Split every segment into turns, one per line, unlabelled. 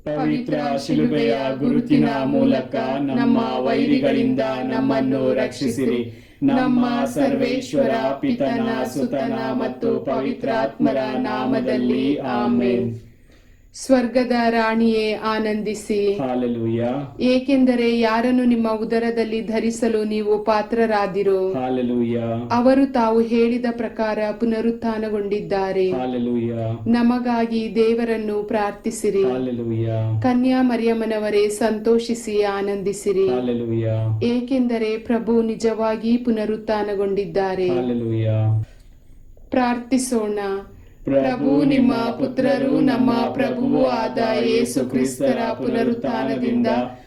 ಪವಿತ್ರ ಶಿಲುಬೆಯ ಗುರುತಿನ ಮೂಲಕ ನಮ್ಮ ವೈರಿಗಳಿಂದ ನಮ್ಮನ್ನು ರಕ್ಷಿಸಿರಿ. ನಮ್ಮ ಸರ್ವೇಶ್ವರ ಪಿತನ ಸುತನ ಮತ್ತು ಪವಿತ್ರಾತ್ಮರ ನಾಮದಲ್ಲಿ ಆಮೇನ್.
ಸ್ವರ್ಗದ ರಾಣಿಯೇ ಆನಂದಿಸಿ,
ಹಾಲೆಲೂಯಾ.
ಏಕೆಂದರೆ ಯಾರನ್ನು ನಿಮ್ಮ ಉದರದಲ್ಲಿ ಧರಿಸಲು ನೀವು ಪಾತ್ರರಾದಿರೋ,
ಹಾಲೆಲೂಯಾ.
ಅವರು ತಾವು ಹೇಳಿದ ಪ್ರಕಾರ ಪುನರುತ್ಥಾನಗೊಂಡಿದ್ದಾರೆ.
ಹಾಲೆಲೂಯಾ.
ನಮಗಾಗಿ ದೇವರನ್ನು ಪ್ರಾರ್ಥಿಸಿರಿ.
ಹಾಲೆಲೂಯಾ.
ಕನ್ಯಾ ಮರಿಯಮ್ಮನವರೇ ಸಂತೋಷಿಸಿ ಆನಂದಿಸಿರಿ,
ಹಾಲೆಲೂಯಾ.
ಏಕೆಂದರೆ ಪ್ರಭು ನಿಜವಾಗಿ ಪುನರುತ್ಥಾನಗೊಂಡಿದ್ದಾರೆ.
ಹಾಲೆಲೂಯಾ.
ಪ್ರಾರ್ಥಿಸೋಣ. ಪ್ರಭು ನಿಮ್ಮ ಪುತ್ರರು ನಮ್ಮ ಪ್ರಭುವೂ ಆದ ಯೇಸು ಕ್ರಿಸ್ತರ ಪುನರುತ್ಥಾನದಿಂದ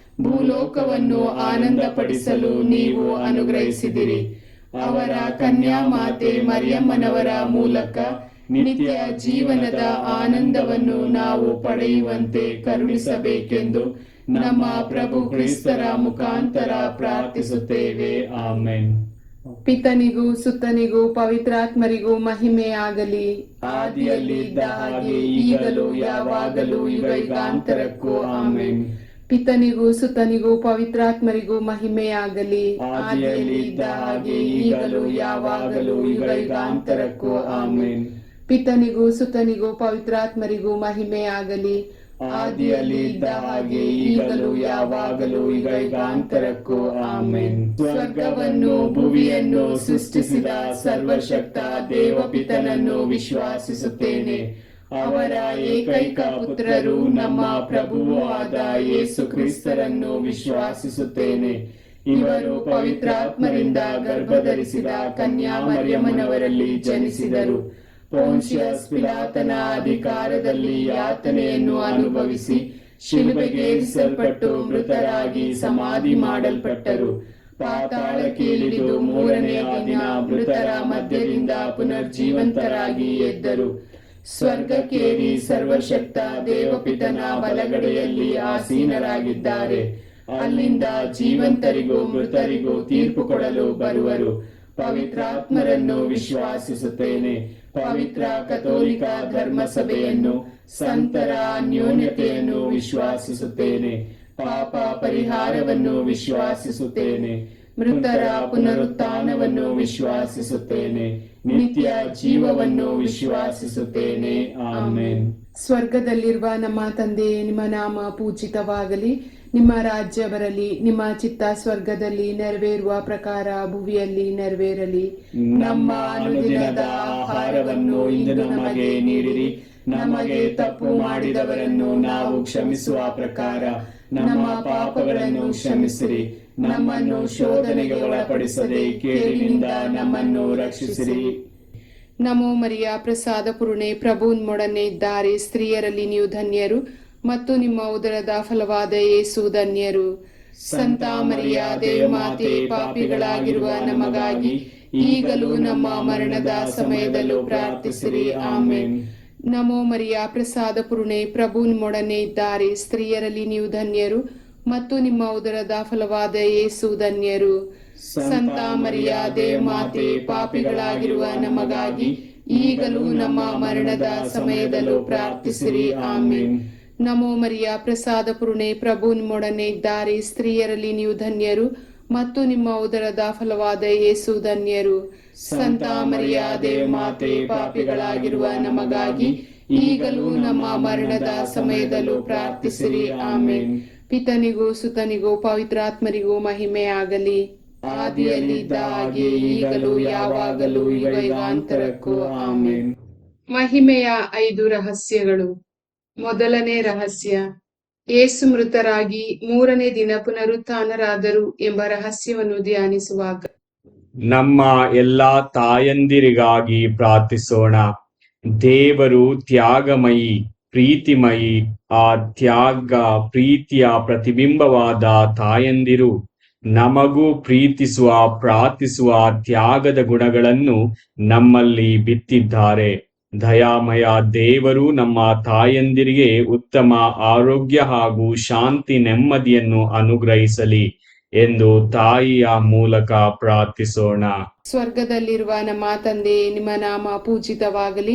ಭೂಲೋಕವನ್ನು ಆನಂದಪಡಿಸಲು ನೀವು ಅನುಗ್ರಹಿಸಿದಿರಿ. ಅವರ ಕನ್ಯಾ ಮಾತೆ ಮರಿಯಮ್ಮನವರ ಮೂಲಕ ನಿತ್ಯ ಜೀವನದ ಆನಂದವನ್ನು ನಾವು ಪಡೆಯುವಂತೆ ಕರುಣಿಸಬೇಕೆಂದು ನಮ್ಮ ಪ್ರಭು ಕ್ರಿಸ್ತರ ಮುಖಾಂತರ ಪ್ರಾರ್ಥಿಸುತ್ತೇವೆ.
ಆಮೆನ್.
ಪಿತನಿಗೂ ಸುತ್ತನಿಗೂ ಪವಿತ್ರಾತ್ಮರಿಗೂ ಮಹಿಮೆಯಾಗಲಿ,
ಆದಿಯಲ್ಲಿದ್ದ ಹಾಗೆ ಈಗಲೂ ಯಾವಾಗಲೂ ಯುಗಾಂತರಕ್ಕೂ ಆಮೆನ್.
ಪಿತನಿಗೂ ಸುತ್ತನಿಗೂ ಪವಿತ್ರಾತ್ಮರಿಗೂ ಮಹಿಮೆಯಾಗಲಿ,
ಆದಿಯಲ್ಲಿದ್ದ ಹಾಗೆ ಈಗಲೂ ಯಾವಾಗಲೂ ಯುಗಾಂತರಕ್ಕೂ ಆಮೆನ್.
ಪಿತನಿಗೂ ಸುತ್ತನಿಗೂ ಪವಿತ್ರಾತ್ಮರಿಗೂ ಮಹಿಮೆಯಾಗಲಿ,
ಆದಿಯಲ್ಲಿದ್ದ ಹಾಗೆ ಈಗಲೂ ಯಾವಾಗಲೂ ಯುಗಾಂತರಕ್ಕೂ ಆಮೆನ್. ಸ್ವರ್ಗವನ್ನು ಭುವಿಯನ್ನು ಸೃಷ್ಟಿಸಿದ ಸರ್ವಶಕ್ತ ದೇವಪಿತನನ್ನು ವಿಶ್ವಾಸಿಸುತ್ತೇನೆ. ಅವರ ಏಕೈಕ ಪುತ್ರರು ನಮ್ಮ ಪ್ರಭುವೂ ಆದ ಯೇಸು ಕ್ರಿಸ್ತರನ್ನು ವಿಶ್ವಾಸಿಸುತ್ತೇನೆ. ಇವರು ಪವಿತ್ರಾತ್ಮರಿಂದ ಗರ್ಭಧರಿಸಿದ ಕನ್ಯಾ ಮರಿಯಮ್ಮನವರಲ್ಲಿ ಜನಿಸಿದರು. ಪೋನ್ಷಿಯಸ್ ಪಿಲಾತನ ಅಧಿಕಾರದಲ್ಲಿ ಯಾತನೆಯನ್ನು ಅನುಭವಿಸಿ ಶಿಲುಬೆಗೇರಿಸಲ್ಪಟ್ಟು ಮೃತರಾಗಿ ಸಮಾಧಿ ಮಾಡಲ್ಪಟ್ಟರು. ಪಾತಾಳಕ್ಕೆ ಇಳಿದು ಮೂರನೆಯ ದಿನ ಮೃತರ ಮಧ್ಯದಿಂದ ಪುನರ್ಜೀವಂತರಾಗಿ ಎದ್ದರು. ಸ್ವರ್ಗಕ್ಕೇರಿ ಸರ್ವಶಕ್ತ ದೇವಪಿತನ ಬಲಗಡೆಯಲ್ಲಿ ಆಸೀನರಾಗಿದ್ದಾರೆ. ಅಲ್ಲಿಂದ ಜೀವಂತರಿಗೂ ಮೃತರಿಗೂ ತೀರ್ಪು ಕೊಡಲು ಬರುವರು. ಪವಿತ್ರಾತ್ಮರನ್ನು ವಿಶ್ವಾಸಿಸುತ್ತೇನೆ. ಪವಿತ್ರ ಕಥೋಲಿಕ ಧರ್ಮಸಭೆಯನ್ನು, ಸಂತರ ಅನ್ಯೋನ್ಯತೆಯನ್ನು ವಿಶ್ವಾಸಿಸುತ್ತೇನೆ. ಪಾಪ ಪರಿಹಾರವನ್ನು ವಿಶ್ವಾಸಿಸುತ್ತೇನೆ. ಮೃತರ ಪುನರುತ್ಥಾನವನ್ನು ವಿಶ್ವಾಸಿಸುತ್ತೇನೆ. ನಿತ್ಯ ಜೀವವನ್ನು ವಿಶ್ವಾಸಿಸುತ್ತೇನೆ. ಆಮೆನ್.
ಸ್ವರ್ಗದಲ್ಲಿರುವ ನಮ್ಮ ತಂದೆಯೇ, ನಿಮ್ಮ ನಾಮ ಪೂಜಿತವಾಗಲಿ, ನಿಮ್ಮ ರಾಜ್ಯ ಬರಲಿ, ನಿಮ್ಮ ಚಿತ್ತ ಸ್ವರ್ಗದಲ್ಲಿ ನೆರವೇರುವ ಪ್ರಕಾರ ಭುವಿಯಲ್ಲಿ ನೆರವೇರಲಿ.
ನಮ್ಮ ಅನುದಿನದ ಆಹಾರವನ್ನು ಇಂದು ನಮಗೆ ನೀಡಿರಿ. ನಮಗೆ ತಪ್ಪು ಮಾಡಿದವರನ್ನು ನಾವು ಕ್ಷಮಿಸುವ ಪ್ರಕಾರ ನಮ್ಮ ಪಾಪಗಳನ್ನು ಕ್ಷಮಿಸಿರಿ. ನಮ್ಮನ್ನು ಶೋಧನೆಗೆ ಒಳಪಡಿಸದೆ ಕೇಡಿನಿಂದ ನಮ್ಮನ್ನು ರಕ್ಷಿಸಿರಿ.
ನಮೋ ಮರಿಯ ಪ್ರಸಾದ ಪೂರ್ಣೆ, ಪ್ರಭು ನಿಮ್ಮೊಡನೆ ಇದ್ದಾರೆ. ಸ್ತ್ರೀಯರಲ್ಲಿ ನೀವು ಧನ್ಯರು ಮತ್ತು ನಿಮ್ಮ ಉದರದ ಫಲವಾದ ಯೇಸು ಧನ್ಯರು. ಸಂತ ಮರಿಯ ದೇವಮಾತೆ, ಪಾಪಿಗಳಾಗಿರುವ ನಮಗಾಗಿ ಈಗಲೂ ನಮ್ಮ ಮರಣದ ಸಮಯದಲ್ಲೂ ಪ್ರಾರ್ಥಿಸಿರಿ. ಆಮೆನ್. ನಮೋ ಮರಿಯ ಪ್ರಸಾದ ಪೂರ್ಣೆ, ಪ್ರಭು ನಿಮ್ಮೊಡನೆ ಇದ್ದಾರೆ. ಸ್ತ್ರೀಯರಲ್ಲಿ ನೀವು ಧನ್ಯರು ಮತ್ತು ನಿಮ್ಮ ಉದರದ ಫಲವಾದ ಯೇಸು ಧನ್ಯರು. ಸಂತ ಮರಿಯ ದೇವಮಾತೆ, ಪಾಪಿಗಳಾಗಿರುವ ನಮಗಾಗಿ ಈಗಲೂ ನಮ್ಮ ಮರಣದ ಸಮಯದಲ್ಲೂ ಪ್ರಾರ್ಥಿಸಿರಿ. ಆಮೆನ್. ನಮೋ ಮರಿಯ ಪ್ರಸಾದ ಪೂರ್ಣೆ, ಪ್ರಭು ನಿಮ್ಮೊಡನೆ ಇದ್ದಾರೆ. ಸ್ತ್ರೀಯರಲ್ಲಿ ನೀವು ಧನ್ಯರು ಮತ್ತು ನಿಮ್ಮ ಉದರದ ಫಲವಾದ ಯೇಸು ಧನ್ಯರು. ಸಂತ ಮರಿಯ ದೇವಮಾತೆ, ಪಾಪಿಗಳಾಗಿರುವ ನಮಗಾಗಿ ಈಗಲೂ ನಮ್ಮ ಮರಣದ ಸಮಯದಲ್ಲೂ ಪ್ರಾರ್ಥಿಸಿರಿ. ಆಮೆನ್. ಪಿತನಿಗೂ ಸುತನಿಗೂ ಪವಿತ್ರಾತ್ಮರಿಗೂ ಮಹಿಮೆಯಾಗಲಿ, ಆದಿಯಲ್ಲಿದ್ದ ಹಾಗೆ ಈಗಲೂ ಯಾವಾಗಲೂ ಯುಗಾಂತರಕ್ಕೂ ಆಮೆನ್. ಮಹಿಮೆಯ 5 ರಹಸ್ಯಗಳು. ಮೊದಲನೇ ರಹಸ್ಯ, ಯೇಸು ಮೃತರಾಗಿ ಮೂರನೇ ದಿನ ಪುನರುತ್ಥಾನರಾದರು ಎಂಬ ರಹಸ್ಯವನ್ನು ಧ್ಯಾನಿಸುವಾಗ
ನಮ್ಮ ಎಲ್ಲಾ ತಾಯಂದಿರಿಗಾಗಿ ಪ್ರಾರ್ಥಿಸೋಣ. ದೇವರು ತ್ಯಾಗಮಯಿ, ಪ್ರೀತಿಮಯಿ. ಆ ತ್ಯಾಗ ಪ್ರೀತಿಯ ಪ್ರತಿಬಿಂಬವಾದ ತಾಯಂದಿರು ನಮಗೂ ಪ್ರೀತಿಸುವ, ಪ್ರಾರ್ಥಿಸುವ ತ್ಯಾಗದ ಗುಣಗಳನ್ನು ನಮ್ಮಲ್ಲಿ ಬಿತ್ತಿದ್ದಾರೆ. ದಯಾಮಯ ದೇವರು ನಮ್ಮ ತಾಯಂದಿರಿಗೆ ಉತ್ತಮ ಆರೋಗ್ಯ ಹಾಗೂ ಶಾಂತಿ ನೆಮ್ಮದಿಯನ್ನು ಅನುಗ್ರಹಿಸಲಿ ಎಂದು ತಾಯಿಯ ಮೂಲಕ ಪ್ರಾರ್ಥಿಸೋಣ.
ಸ್ವರ್ಗದಲ್ಲಿರುವ ನಮ್ಮ ತಂದೆ, ನಿಮ್ಮ ನಾಮ ಪೂಜಿತವಾಗಲಿ,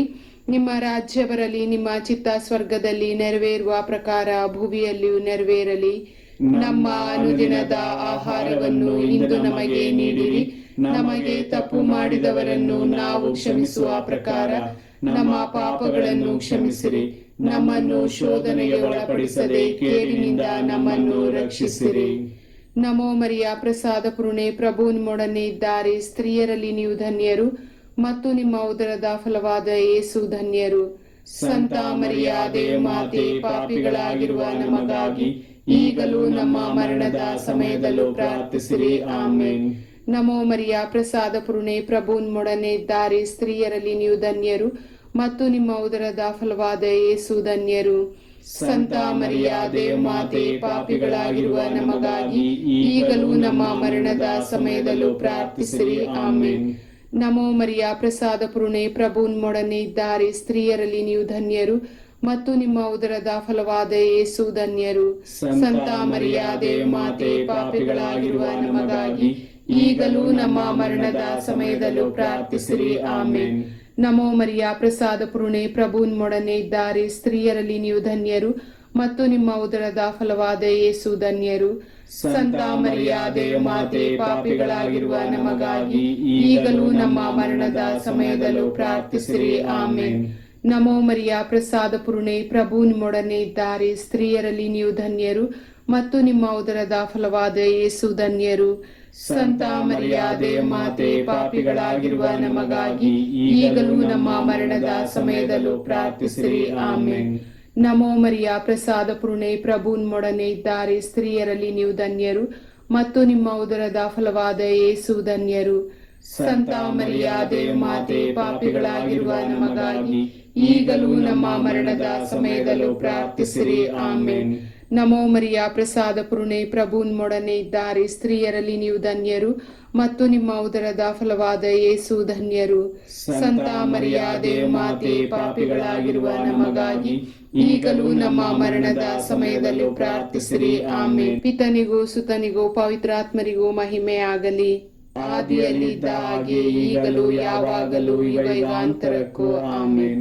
ನಿಮ್ಮ ರಾಜ್ಯ ಬರಲಿ, ನಿಮ್ಮ ಚಿತ್ತ ಸ್ವರ್ಗದಲ್ಲಿ ನೆರವೇರುವ ಪ್ರಕಾರ ಭುವಿಯಲ್ಲಿಯೂ ನೆರವೇರಲಿ. ನಮ್ಮ ಅನುದಿನದ ಆಹಾರವನ್ನು ಇಂದು ನಮಗೆ ನೀಡಿರಿ. ನಮಗೆ ತಪ್ಪು ಮಾಡಿದವರನ್ನು ನಾವು ಕ್ಷಮಿಸುವ ಪ್ರಕಾರ ನಮ್ಮ ಪಾಪಗಳನ್ನು ಕ್ಷಮಿಸಿರಿ. ನಮ್ಮನ್ನು ಶೋಧನೆಗೆ ಒಳಪಡಿಸದೆ ಕೇಡಿನಿಂದ ನಮ್ಮನ್ನು ರಕ್ಷಿಸಿರಿ. ನಮೋ ಮರಿಯ, ಪ್ರಸಾದ ಪೂರ್ಣೆ, ಪ್ರಭು ನಿಮ್ಮೊಡನೆ ಇದ್ದಾರೆ. ಸ್ತ್ರೀಯರಲ್ಲಿ ನೀವು ಧನ್ಯರು ಮತ್ತು ನಿಮ್ಮ ಉದರದ ಫಲವಾದ ಯೇಸು ಧನ್ಯರು. ಸಂತ ಮರಿಯ ದೇವಮಾತೆ, ಪಾಪಿಗಳಾಗಿರುವ ನಮಗಾಗಿ ಈಗಲೂ ನಮ್ಮ ಮರಣದ ಸಮಯದಲ್ಲೂ ಪ್ರಾರ್ಥಿಸಿರಿ. ಆಮೇನ್. ನಮೋ ಮರಿಯ, ಪ್ರಸಾದ ಪೂರ್ಣೆ, ಪ್ರಭು ನಿಮ್ಮೊಡನೆ ಇದ್ದಾರೆ. ಸ್ತ್ರೀಯರಲ್ಲಿ ನೀವು ಧನ್ಯರು ಮತ್ತು ನಿಮ್ಮ ಉದರದ ಫಲವಾದ ಯೇಸು ಧನ್ಯರು. ಸಂತ ಮರಿಯ ದೇವಮಾತೆ, ಪಾಪಿಗಳಾಗಿರುವ ನಮಗಾಗಿ ಈಗಲೂ ನಮ್ಮ ಮರಣದ ಸಮಯದಲ್ಲೂ ಪ್ರಾರ್ಥಿಸಿರಿ. ಆಮೇನ್. ನಮೋ ಮರಿಯ, ಪ್ರಸಾದ ಪೂರ್ಣೆ, ಪ್ರಭು ನಿಮ್ಮೊಡನೆ ಇದ್ದಾರೆ. ಸ್ತ್ರೀಯರಲ್ಲಿ ನೀವು ಧನ್ಯರು ಮತ್ತು ನಿಮ್ಮ ಉದರದ ಫಲವಾದ ಯೇಸು ಧನ್ಯರು. ಸಂತ ಮರಿಯ ದೇವಮಾತೆ, ಪಾಪಿಗಳಾಗಿರುವ ನಮಗಾಗಿ ಈಗಲೂ ನಮ್ಮ ಮರಣದ ಸಮಯದಲ್ಲೂ ಪ್ರಾರ್ಥಿಸಿರಿ. ಆಮೇನ್. ನಮೋ ಮರಿಯ, ಪ್ರಸಾದ ಪೂರ್ಣೆ, ಪ್ರಭು ನಿಮ್ಮೊಡನೆ ಇದ್ದಾರೆ. ಸ್ತ್ರೀಯರಲ್ಲಿ ನೀವು ಧನ್ಯರು ಮತ್ತು ನಿಮ್ಮ ಉದರದ ಫಲವಾದ ಯೇಸು ಧನ್ಯರು. ಸಂತ ಮರಿಯ ದೇವಮಾತೆ, ಪಾಪಿಗಳಾಗಿರುವ ನಮಗಾಗಿ ಈಗಲೂ ನಮ್ಮ ಮರಣದ ಸಮಯದಲ್ಲೂ ಪ್ರಾರ್ಥಿಸಿರಿ. ಆಮೇನ್. ನಮೋ ಮರಿಯ, ಪ್ರಸಾದ ಪೂರ್ಣೆ, ಪ್ರಭು ನಿಮ್ಮೊಡನೆ ಇದ್ದಾರೆ. ಸ್ತ್ರೀಯರಲ್ಲಿ ನೀವು ಧನ್ಯರು ಮತ್ತು ನಿಮ್ಮ ಉದರದ ಫಲವಾದ ಯೇಸು ಧನ್ಯರು. ಸಂತ ಮರಿಯ ದೇವಮಾತೆ, ಪಾಪಿಗಳಾಗಿರುವ ನಮಗಾಗಿ ಈಗಲೂ ನಮ್ಮ ಮರಣದ ಸಮಯದಲ್ಲೂ ಪ್ರಾರ್ಥಿಸಿರಿ. ಆಮೇನ್. ನಮೋ ಮರಿಯ, ಪ್ರಸಾದ ಪೂರ್ಣೆ, ಪ್ರಭು ನಿಮ್ಮೊಡನೆ ಇದ್ದಾರೆ. ಸ್ತ್ರೀಯರಲ್ಲಿ ನೀವು ಧನ್ಯರು ಮತ್ತು ನಿಮ್ಮ ಉದರದ ಫಲವಾದ ಯೇಸು ಧನ್ಯರು. ಸಂತ ಮರಿಯ ದೇವಮಾತೆ, ಪಾಪಿಗಳಾಗಿರುವ ನಮಗಾಗಿ ಈಗಲೂ ನಮ್ಮ ಮರಣದ ಸಮಯದಲ್ಲೂ ಪ್ರಾರ್ಥಿಸಿರಿ. ಆಮೇನ್. ನಮೋ ಮರಿಯ, ಪ್ರಸಾದ ಪೂರ್ಣೆ, ಪ್ರಭು ನಿಮ್ಮೊಡನೆ ಇದ್ದಾರೆ. ಸ್ತ್ರೀಯರಲ್ಲಿ ನೀವು ಧನ್ಯರು ಮತ್ತು ನಿಮ್ಮ ಉದರದ ಫಲವಾದ ಯೇಸು ಧನ್ಯರು. ಸಂತ ಮರಿಯ ದೇವಮಾತೆ, ಪಾಪಿಗಳಾಗಿರುವ ನಮಗಾಗಿ ಈಗಲೂ ನಮ್ಮ ಮರಣದ ಸಮಯದಲ್ಲೂ ಪ್ರಾರ್ಥಿಸಿರಿ. ಆಮೇನ್. ಪಿತನಿಗೂ ಸುತನಿಗೂ ಪವಿತ್ರಾತ್ಮರಿಗೂ ಮಹಿಮೆ ಆಗಲಿ. ಆದಿಯಲ್ಲಿದ್ದ ಹಾಗೆ ಈಗಲೂ ಯಾವಾಗಲೂ ಯುಗಾಂತರಕ್ಕೂ. ಆಮೇನ್.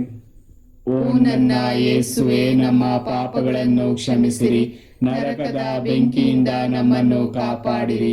ಓ ನನ್ನ ಯೇಸುವೆ, ನಮ್ಮ ಪಾಪಗಳನ್ನು ಕ್ಷಮಿಸಿರಿ, ನರಕದ ಬೆಂಕಿಯಿಂದ ನಮ್ಮನ್ನು ಕಾಪಾಡಿರಿ.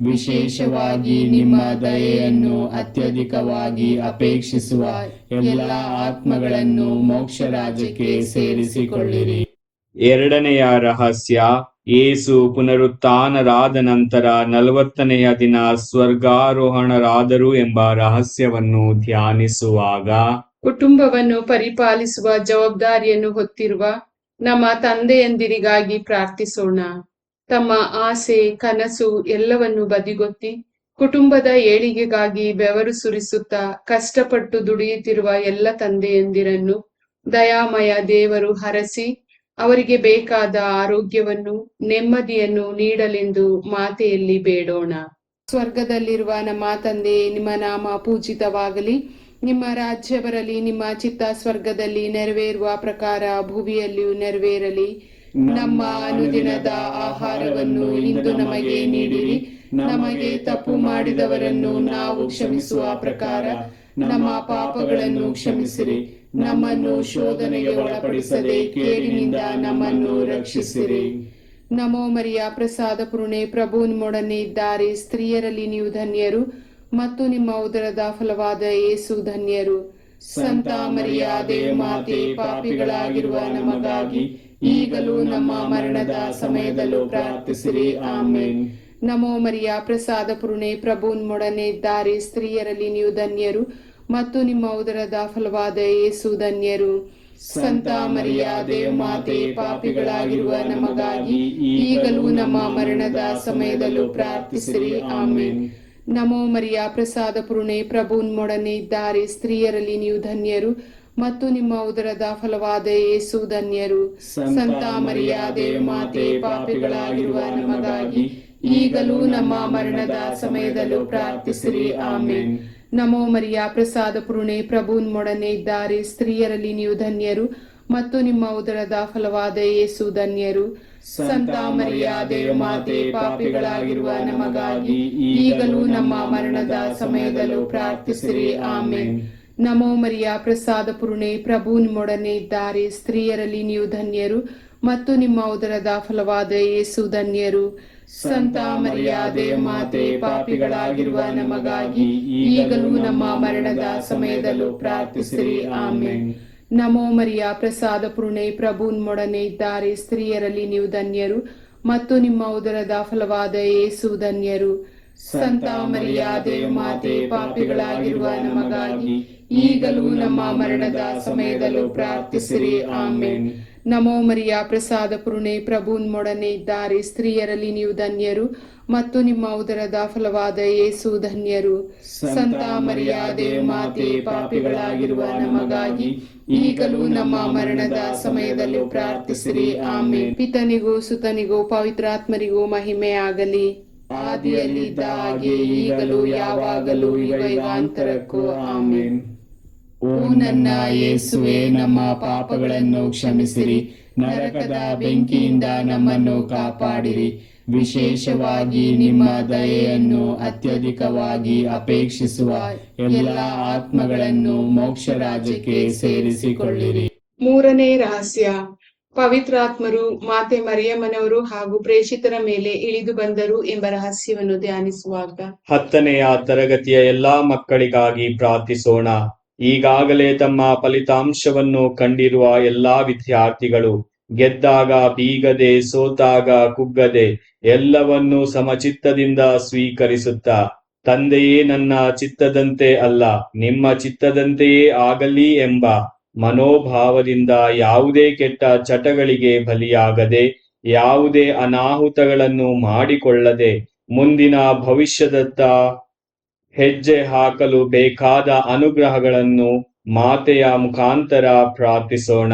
ವಿಶೇಷವಾಗಿ ನಿಮ್ಮ ದಯೆಯನ್ನು ಅತ್ಯಧಿಕವಾಗಿ ಅಪೇಕ್ಷಿಸುವ ಎಲ್ಲ ಆತ್ಮಗಳನ್ನು ಮೋಕ್ಷ ರಾಜ್ಯಕ್ಕೆ ಸೇರಿಸಿಕೊಳ್ಳಿರಿ.
ಎರಡನೆಯ ರಹಸ್ಯ, ಯೇಸು ಪುನರುತ್ಥಾನರಾದ ನಂತರ 40ನೆಯ ದಿನ ಸ್ವರ್ಗಾರೋಹಣರಾದರು ಎಂಬ ರಹಸ್ಯವನ್ನು ಧ್ಯಾನಿಸುವಾಗ
ಕುಟುಂಬವನ್ನು ಪರಿಪಾಲಿಸುವ ಜವಾಬ್ದಾರಿಯನ್ನು ಹೊತ್ತಿರುವ ನಮ್ಮ ತಂದೆಯಂದಿರಿಗಾಗಿ ಪ್ರಾರ್ಥಿಸೋಣ. ತಮ್ಮ ಆಸೆ, ಕನಸು ಎಲ್ಲವನ್ನು ಬದಿಗೊತ್ತಿ ಕುಟುಂಬದ ಏಳಿಗೆಗಾಗಿ ಬೆವರು ಸುರಿಸುತ್ತಾ ಕಷ್ಟಪಟ್ಟು ದುಡಿಯುತ್ತಿರುವ ಎಲ್ಲ ತಂದೆಯಂದಿರನ್ನು ದಯಾಮಯ ದೇವರು ಹರಸಿ ಅವರಿಗೆ ಬೇಕಾದ ಆರೋಗ್ಯವನ್ನು, ನೆಮ್ಮದಿಯನ್ನು ನೀಡಲೆಂದು ಮಾತೆಯಲ್ಲಿ ಬೇಡೋಣ. ಸ್ವರ್ಗದಲ್ಲಿರುವ ನಮ್ಮ ತಂದೆ, ನಿಮ್ಮ ನಾಮ ಪೂಜಿತವಾಗಲಿ. ನಿಮ್ಮ ರಾಜ್ಯ ಬರಲಿ. ನಿಮ್ಮ ಚಿತ್ತ ಸ್ವರ್ಗದಲ್ಲಿ ನೆರವೇರುವ ಪ್ರಕಾರ ಭುವಿಯಲ್ಲಿಯೂ ನೆರವೇರಲಿ. ನಮ್ಮ ಅನುದಿನದ ಆಹಾರವನ್ನು ಇಂದು ನಮಗೆ ನೀಡಿರಿ. ನಮಗೆ ತಪ್ಪು ಮಾಡಿದವರನ್ನು ನಾವು ಕ್ಷಮಿಸುವ ಪ್ರಕಾರ ನಮ್ಮ ಪಾಪಗಳನ್ನು ಕ್ಷಮಿಸಿರಿ. ನಮ್ಮನ್ನು ಶೋಧನೆಗೆ ಒಳಪಡಿಸದೆ ಕೇಡಿನಿಂದ ನಮ್ಮನ್ನು ರಕ್ಷಿಸಿರಿ. ನಮೋ ಮರಿಯ, ಪ್ರಸಾದ ಪೂರ್ಣೆ, ಪ್ರಭು ನಿಮ್ಮೊಡನೆ ಇದ್ದಾರೆ. ಸ್ತ್ರೀಯರಲ್ಲಿ ನೀವು ಧನ್ಯರು ಮತ್ತು ನಿಮ್ಮ ಉದರದ ಫಲವಾದ ಯೇಸು ಧನ್ಯರು. ಸಂತ ಮರಿಯ ದೇವಮಾತೆ, ಪಾಪಿಗಳಾಗಿರುವ ನಮಗಾಗಿ ಈಗಲೂ ನಮ್ಮ ಮರಣದ ಸಮಯದಲ್ಲೂ ಪ್ರಾರ್ಥಿಸಿರಿ. ಆಮೇನ್. ನಮೋ ಮರಿಯ, ಪ್ರಸಾದ ಪೂರ್ಣೆ, ಪ್ರಭು ನಿಮ್ಮೊಡನೆ ಇದ್ದಾರೆ. ಸ್ತ್ರೀಯರಲ್ಲಿ ನೀವು ಧನ್ಯರು ಮತ್ತು ನಿಮ್ಮ ಉದರದ ಫಲವಾದ ಯೇಸು ಧನ್ಯರು. ಸಂತ ಮರಿಯ ದೇವಮಾತೆ, ಪಾಪಿಗಳಾಗಿರುವ ನಮಗಾಗಿ ಈಗಲೂ ನಮ್ಮ ಮರಣದ ಸಮಯದಲ್ಲೂ ಪ್ರಾರ್ಥಿಸಿರಿ. ಆಮೇನ್. ನಮೋ ಮರಿಯ, ಪ್ರಸಾದ ಪೂರ್ಣೆ, ಪ್ರಭು ನಿಮ್ಮೊಡನೆ ಇದ್ದಾರೆ. ಸ್ತ್ರೀಯರಲ್ಲಿ ನೀವು ಧನ್ಯರು ಮತ್ತು ನಿಮ್ಮ ಉದರದ ಫಲವಾದ ಯೇಸು ಧನ್ಯರು. ಸಂತ ಮರಿಯ ದೇವಮಾತೆ, ಪಾಪಿಗಳಾಗಿರುವ ನಮಗಾಗಿ ಈಗಲೂ ನಮ್ಮ ಮರಣದ ಸಮಯದಲ್ಲೂ ಪ್ರಾರ್ಥಿಸಿರಿ. ಆಮೇನ್. ನಮೋ ಮರಿಯ, ಪ್ರಸಾದ ಪೂರ್ಣೆ, ಪ್ರಭು ನಿಮ್ಮೊಡನೆ ಇದ್ದಾರೆ. ಸ್ತ್ರೀಯರಲ್ಲಿ ನೀವು ಧನ್ಯರು ಮತ್ತು ನಿಮ್ಮ ಉದರದ ಫಲವಾದ ಯೇಸು ಧನ್ಯರು. ಸಂತ ಮರಿಯ ದೇವಮಾತೆ, ಪಾಪಿಗಳಾಗಿರುವ ನಮಗಾಗಿ ಈಗಲೂ ನಮ್ಮ ಮರಣದ ಸಮಯದಲ್ಲೂ ಪ್ರಾರ್ಥಿಸಿರಿ. ಆಮೇನ್. ನಮೋ ಮರಿಯ ಪ್ರಸಾದ ಪೂರ್ಣೆ, ಪ್ರಭು ನಿಮ್ಮೊಡನೆ ಇದ್ದಾರೆ. ಸ್ತ್ರೀಯರಲ್ಲಿ ನೀವು ಧನ್ಯರು ಮತ್ತು ನಿಮ್ಮ ಉದರದ ಫಲವಾದ ಯೇಸು ಧನ್ಯರು. ಸಂತ ಮರಿಯಾದೆ ಮಾತೆ, ಪಾಪಿಗಳಾಗಿರುವ ನಮಗಾಗಿ ಈಗಲೂ ನಮ್ಮ ಮರಣದ ಸಮಯದಲ್ಲೂ ಪ್ರಾರ್ಥಿಸಿರಿ. ಆಮೆನ್. ನಮೋ ಮರಿಯ ಪ್ರಸಾದ ಪೂರ್ಣೆ, ಪ್ರಭು ನಿಮ್ಮೊಡನೆ ಇದ್ದಾರೆ. ಸ್ತ್ರೀಯರಲ್ಲಿ ನೀವು ಧನ್ಯರು ಮತ್ತು ನಿಮ್ಮ ಉದರದ ಫಲವಾದ ಯೇಸು ಧನ್ಯರು. ಸಂತ ಮರಿಯಾದೆ ಮಾತೆ, ಪಾಪಿಗಳಾಗಿರುವ ನಮಗಾಗಿ ಈಗಲೂ ನಮ್ಮ ಮರಣದ ಸಮಯದಲ್ಲೂ ಪ್ರಾರ್ಥಿಸಿರಿ. ಆಮೆನ್. ನಮೋ ಮರಿಯ ಪ್ರಸಾದ ಪೂರ್ಣೆ, ಪ್ರಭು ನಿಮ್ಮೊಡನೆ ಇದ್ದಾರೆ. ಸ್ತ್ರೀಯರಲ್ಲಿ ನೀವು ಧನ್ಯರು ಮತ್ತು ನಿಮ್ಮ ಉದರದ ಫಲವಾದ ಯೇಸು ಧನ್ಯರು. ಸಂತ ಮರಿಯಾದೆ ಮಾತೆ, ಪಾಪಿಗಳಾಗಿರುವ ನಮಗಾಗಿ ಈಗಲೂ ನಮ್ಮ ಮರಣದ ಸಮಯದಲ್ಲೂ ಪ್ರಾರ್ಥಿಸಿರಿ. ಆಮೆನ್. ಪಿತನಿಗೂ ಸುತನಿಗೂ ಪವಿತ್ರಾತ್ಮರಿಗೂ ಮಹಿಮೆ ಆಗಲಿ. ಆದಿಯಲ್ಲಿದ್ದ ಹಾಗೆ ಈಗಲೂ ಯಾವಾಗಲೂ ಯುಗಾಂತರಕ್ಕೂ. ಆಮೆನ್.
ಓ ನನ್ನ ಯೇಸುವೆ, ನಮ್ಮ ಪಾಪಗಳನ್ನು ಕ್ಷಮಿಸಿರಿ, ನರಕದ ಬೆಂಕಿಯಿಂದ ನಮ್ಮನ್ನು ಕಾಪಾಡಿರಿ. ವಿಶೇಷವಾಗಿ ನಿಮ್ಮ ದಯೆಯನ್ನು ಅತ್ಯಧಿಕವಾಗಿ ಅಪೇಕ್ಷಿಸುವ ಎಲ್ಲ ಆತ್ಮಗಳನ್ನು ಮೋಕ್ಷ ರಾಜ್ಯಕ್ಕೆ ಸೇರಿಸಿಕೊಳ್ಳಿರಿ.
ಮೂರನೇ ರಹಸ್ಯ, ಪವಿತ್ರಾತ್ಮರು ಮಾತೆ ಮರಿಯಮ್ಮನವರು ಹಾಗೂ ಪ್ರೇಷಿತರ ಮೇಲೆ ಇಳಿದು ಬಂದರು ಎಂಬ ರಹಸ್ಯವನ್ನು ಧ್ಯಾನಿಸುವಾಗ
10ನೆಯ ತರಗತಿಯ ಎಲ್ಲಾ ಮಕ್ಕಳಿಗಾಗಿ ಪ್ರಾರ್ಥಿಸೋಣ. ಈಗಾಗಲೇ ತಮ್ಮ ಫಲಿತಾಂಶವನ್ನು ಕಂಡಿರುವ ಎಲ್ಲಾ ವಿದ್ಯಾರ್ಥಿಗಳು ಗೆದ್ದಾಗ ಬೀಗದೆ, ಸೋತಾಗ ಕುಗ್ಗದೆ, ಎಲ್ಲವನ್ನೂ ಸಮಚಿತ್ತದಿಂದ ಸ್ವೀಕರಿಸುತ್ತಾ, ತಂದೆಯೇ, ನನ್ನ ಚಿತ್ತದಂತೆ ಅಲ್ಲ ನಿಮ್ಮ ಚಿತ್ತದಂತೆಯೇ ಆಗಲಿ ಎಂಬ ಮನೋಭಾವದಿಂದ ಯಾವುದೇ ಕೆಟ್ಟ ಚಟಗಳಿಗೆ ಬಲಿಯಾಗದೆ, ಯಾವುದೇ ಅನಾಹುತಗಳನ್ನು ಮಾಡಿಕೊಳ್ಳದೆ, ಮುಂದಿನ ಭವಿಷ್ಯದತ್ತ ಹೆಜ್ಜೆ ಹಾಕಲು ಬೇಕಾದ ಅನುಗ್ರಹಗಳನ್ನು ಮಾತೆಯ ಮುಖಾಂತರ ಪ್ರಾರ್ಥಿಸೋಣ.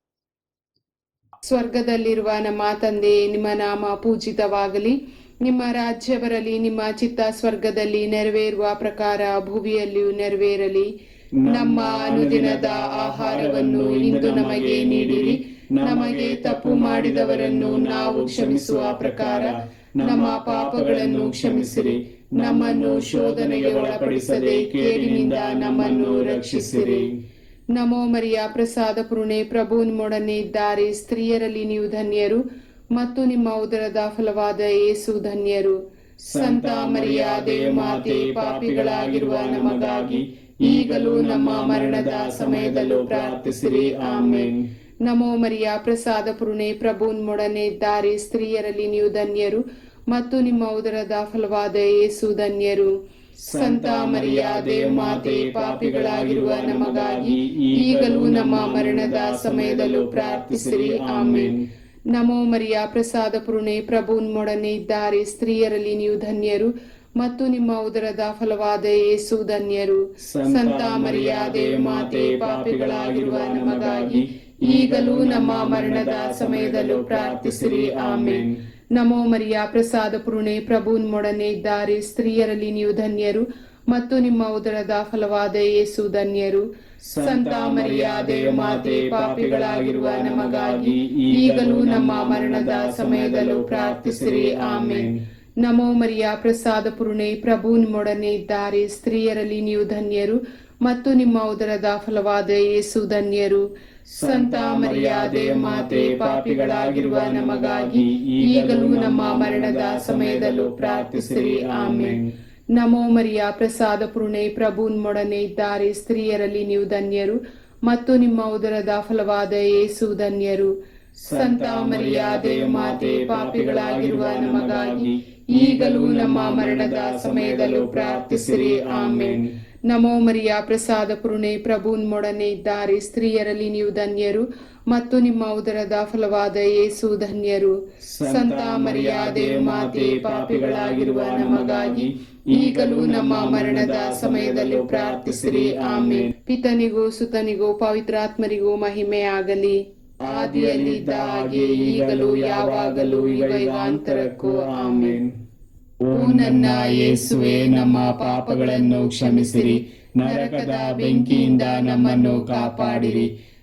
ಸ್ವರ್ಗದಲ್ಲಿರುವ ನಮ್ಮ ತಂದೆಯೇ, ನಿಮ್ಮ ನಾಮ ಪೂಜಿತವಾಗಲಿ, ನಿಮ್ಮ ರಾಜ್ಯ ಬರಲಿ, ನಿಮ್ಮ ಚಿತ್ತ ಸ್ವರ್ಗದಲ್ಲಿ ನೆರವೇರುವ ಪ್ರಕಾರ ಭೂಮಿಯಲ್ಲಿಯೂ ನೆರವೇರಲಿ. ನಮ್ಮ ಅನುದಿನದ ಆಹಾರವನ್ನು ಇಂದು ನಮಗೆ ನೀಡಿರಿ. ನಮಗೆ ತಪ್ಪು ಮಾಡಿದವರನ್ನು ನಾವು ಕ್ಷಮಿಸುವ ಪ್ರಕಾರ ನಮ್ಮ ಪಾಪಗಳನ್ನು ಕ್ಷಮಿಸಿರಿ. ನಮ್ಮನ್ನು ಶೋಧನೆಗೆ ಒಳಪಡಿಸದೆ ಕೇಡಿನಿಂದ ನಮ್ಮನ್ನು ರಕ್ಷಿಸಿರಿ. ನಮೋ ಮರಿಯ ಪ್ರಸಾದ ಪೂರ್ಣೆ, ಪ್ರಭು ನಿಮ್ಮೊಡನೆ ಇದ್ದಾರೆ. ಸ್ತ್ರೀಯರಲ್ಲಿ ನೀವು ಧನ್ಯರು ಮತ್ತು ನಿಮ್ಮ ಉದರದ ಫಲವಾದ ಯೇಸು ಧನ್ಯರು. ಸಂತ ಮರಿಯಾದೆ ಮಾತೆ, ಪಾಪಿಗಳಾಗಿರುವ ನಮಗಾಗಿ ಈಗಲೂ ನಮ್ಮ ಮರಣದ ಸಮಯದಲ್ಲೂ ಪ್ರಾರ್ಥಿಸಿರಿ. ಆಮೆನ್. ನಮೋ ಮರಿಯ ಪ್ರಸಾದ ಪೂರ್ಣೆ, ಪ್ರಭು ನಿಮ್ಮೊಡನೆ ಇದ್ದಾರೆ. ಸ್ತ್ರೀಯರಲ್ಲಿ ನೀವು ಧನ್ಯರು ಮತ್ತು ನಿಮ್ಮ ಉದರದ ಫಲವಾದ ಯೇಸು ಧನ್ಯರು. ಸಂತ ಮರಿಯಾದೆ ಮಾತೆ, ಪಾಪಿಗಳಾಗಿರುವ ನಮಗಾಗಿ ಈಗಲೂ ನಮ್ಮ ಮರಣದ ಸಮಯದಲ್ಲೂ ಪ್ರಾರ್ಥಿಸಿರಿ. ಆಮೆನ್. ನಮೋ ಮರಿಯ ಪ್ರಸಾದ ಪೂರ್ಣೆ, ಪ್ರಭು ನಿಮ್ಮೊಡನೆ ಇದ್ದಾರೆ. ಸ್ತ್ರೀಯರಲ್ಲಿ ನೀವು ಧನ್ಯರು ಮತ್ತು ನಿಮ್ಮ ಉದರದ ಫಲವಾದ ಯೇಸು ಧನ್ಯರು. ಸಂತ ಮರಿಯಾದೆ ಮಾತೆ, ಪಾಪಿಗಳಾಗಿರುವ ನಮಗಾಗಿ ಈಗಲೂ ನಮ್ಮ ಮರಣದ ಸಮಯದಲ್ಲೂ ಪ್ರಾರ್ಥಿಸಿರಿ. ಆಮೆನ್. ನಮೋ ಮರಿಯ ಪ್ರಸಾದ ಪೂರ್ಣೆ, ಪ್ರಭು ನಿಮ್ಮೊಡನೆ ಇದ್ದಾರೆ. ಸ್ತ್ರೀಯರಲ್ಲಿ ನೀವು ಧನ್ಯರು ಮತ್ತು ನಿಮ್ಮ ಉದರದ ಫಲವಾದ ಯೇಸು ಧನ್ಯರು. ಸಂತ ಮರಿಯಾದೆ ಮಾತೆ, ಪಾಪಿಗಳಾಗಿರುವ ನಮಗಾಗಿ ಈಗಲೂ ನಮ್ಮ ಮರಣದ ಸಮಯದಲ್ಲೂ ಪ್ರಾರ್ಥಿಸಿರಿ. ಆಮೆನ್. ನಮೋ ಮರಿಯ ಪ್ರಸಾದ ಪೂರ್ಣೆ, ಪ್ರಭು ನಿಮ್ಮೊಡನೆ ಇದ್ದಾರೆ. ಸ್ತ್ರೀಯರಲ್ಲಿ ನೀವು ಧನ್ಯರು ಮತ್ತು ನಿಮ್ಮ ಉದರದ ಫಲವಾದ ಯೇಸು ಧನ್ಯರು. ಸಂತ ಮರಿಯಾದೆ ಮಾತೆ, ಪಾಪಿಗಳಾಗಿರುವ ನಮಗಾಗಿ ಈಗಲೂ ನಮ್ಮ ಮರಣದ ಸಮಯದಲ್ಲೂ ಪ್ರಾರ್ಥಿಸಿರಿ. ಆಮೆನ್. ನಮೋ ಮರಿಯ ಪ್ರಸಾದ ಪೂರ್ಣೆ, ಪ್ರಭು ನಿಮ್ಮೊಡನೆ ಇದ್ದಾರೆ. ಸ್ತ್ರೀಯರಲ್ಲಿ ನೀವು ಧನ್ಯರು ಮತ್ತು ನಿಮ್ಮ ಉದರದ ಫಲವಾದ ಯೇಸು ಧನ್ಯರು. ಸಂತ ಮರಿಯಾದೆ ಮಾತೆ, ಪಾಪಿಗಳಾಗಿರುವ ನಮಗಾಗಿ ಈಗಲೂ ನಮ್ಮ ಮರಣದ ಸಮಯದಲ್ಲೂ ಪ್ರಾರ್ಥಿಸಿರಿ. ಆಮೆನ್. ನಮೋ ಮರಿಯ ಪ್ರಸಾದ ಪೂರ್ಣೆ, ಪ್ರಭು ನಿಮ್ಮೊಡನೆ ಇದ್ದಾರೆ. ಸ್ತ್ರೀಯರಲ್ಲಿ ನೀವು ಧನ್ಯರು ಮತ್ತು ನಿಮ್ಮ ಉದರದ ಫಲವಾದ ಯೇಸು ಧನ್ಯರು. ಸಂತ ಮರಿಯಾದೆ ಮಾತೆ, ಪಾಪಿಗಳಾಗಿರುವ ನಮಗಾಗಿ ಈಗಲೂ ನಮ್ಮ ಮರಣದ ಸಮಯದಲ್ಲೂ ಪ್ರಾರ್ಥಿಸಿರಿ. ಆಮೆನ್. ಪಿತನಿಗೂ ಸುತನಿಗೂ ಪವಿತ್ರಾತ್ಮರಿಗೂ ಮಹಿಮೆ ಆಗಲಿ. ಆದಿಯಲ್ಲಿದ್ದ ಹಾಗೆ ಈಗಲೂ ಯಾವಾಗಲೂ ಯುಗಾಂತರಕ್ಕೂ. ಆಮೆನ್.
ಓ ನನ್ನ ಯೇಸುವೆ, ನಮ್ಮ ಪಾಪಗಳನ್ನು ಕ್ಷಮಿಸಿರಿ, ನರಕದ ಬೆಂಕಿಯಿಂದ ನಮ್ಮನ್ನು ಕಾಪಾಡಿರಿ.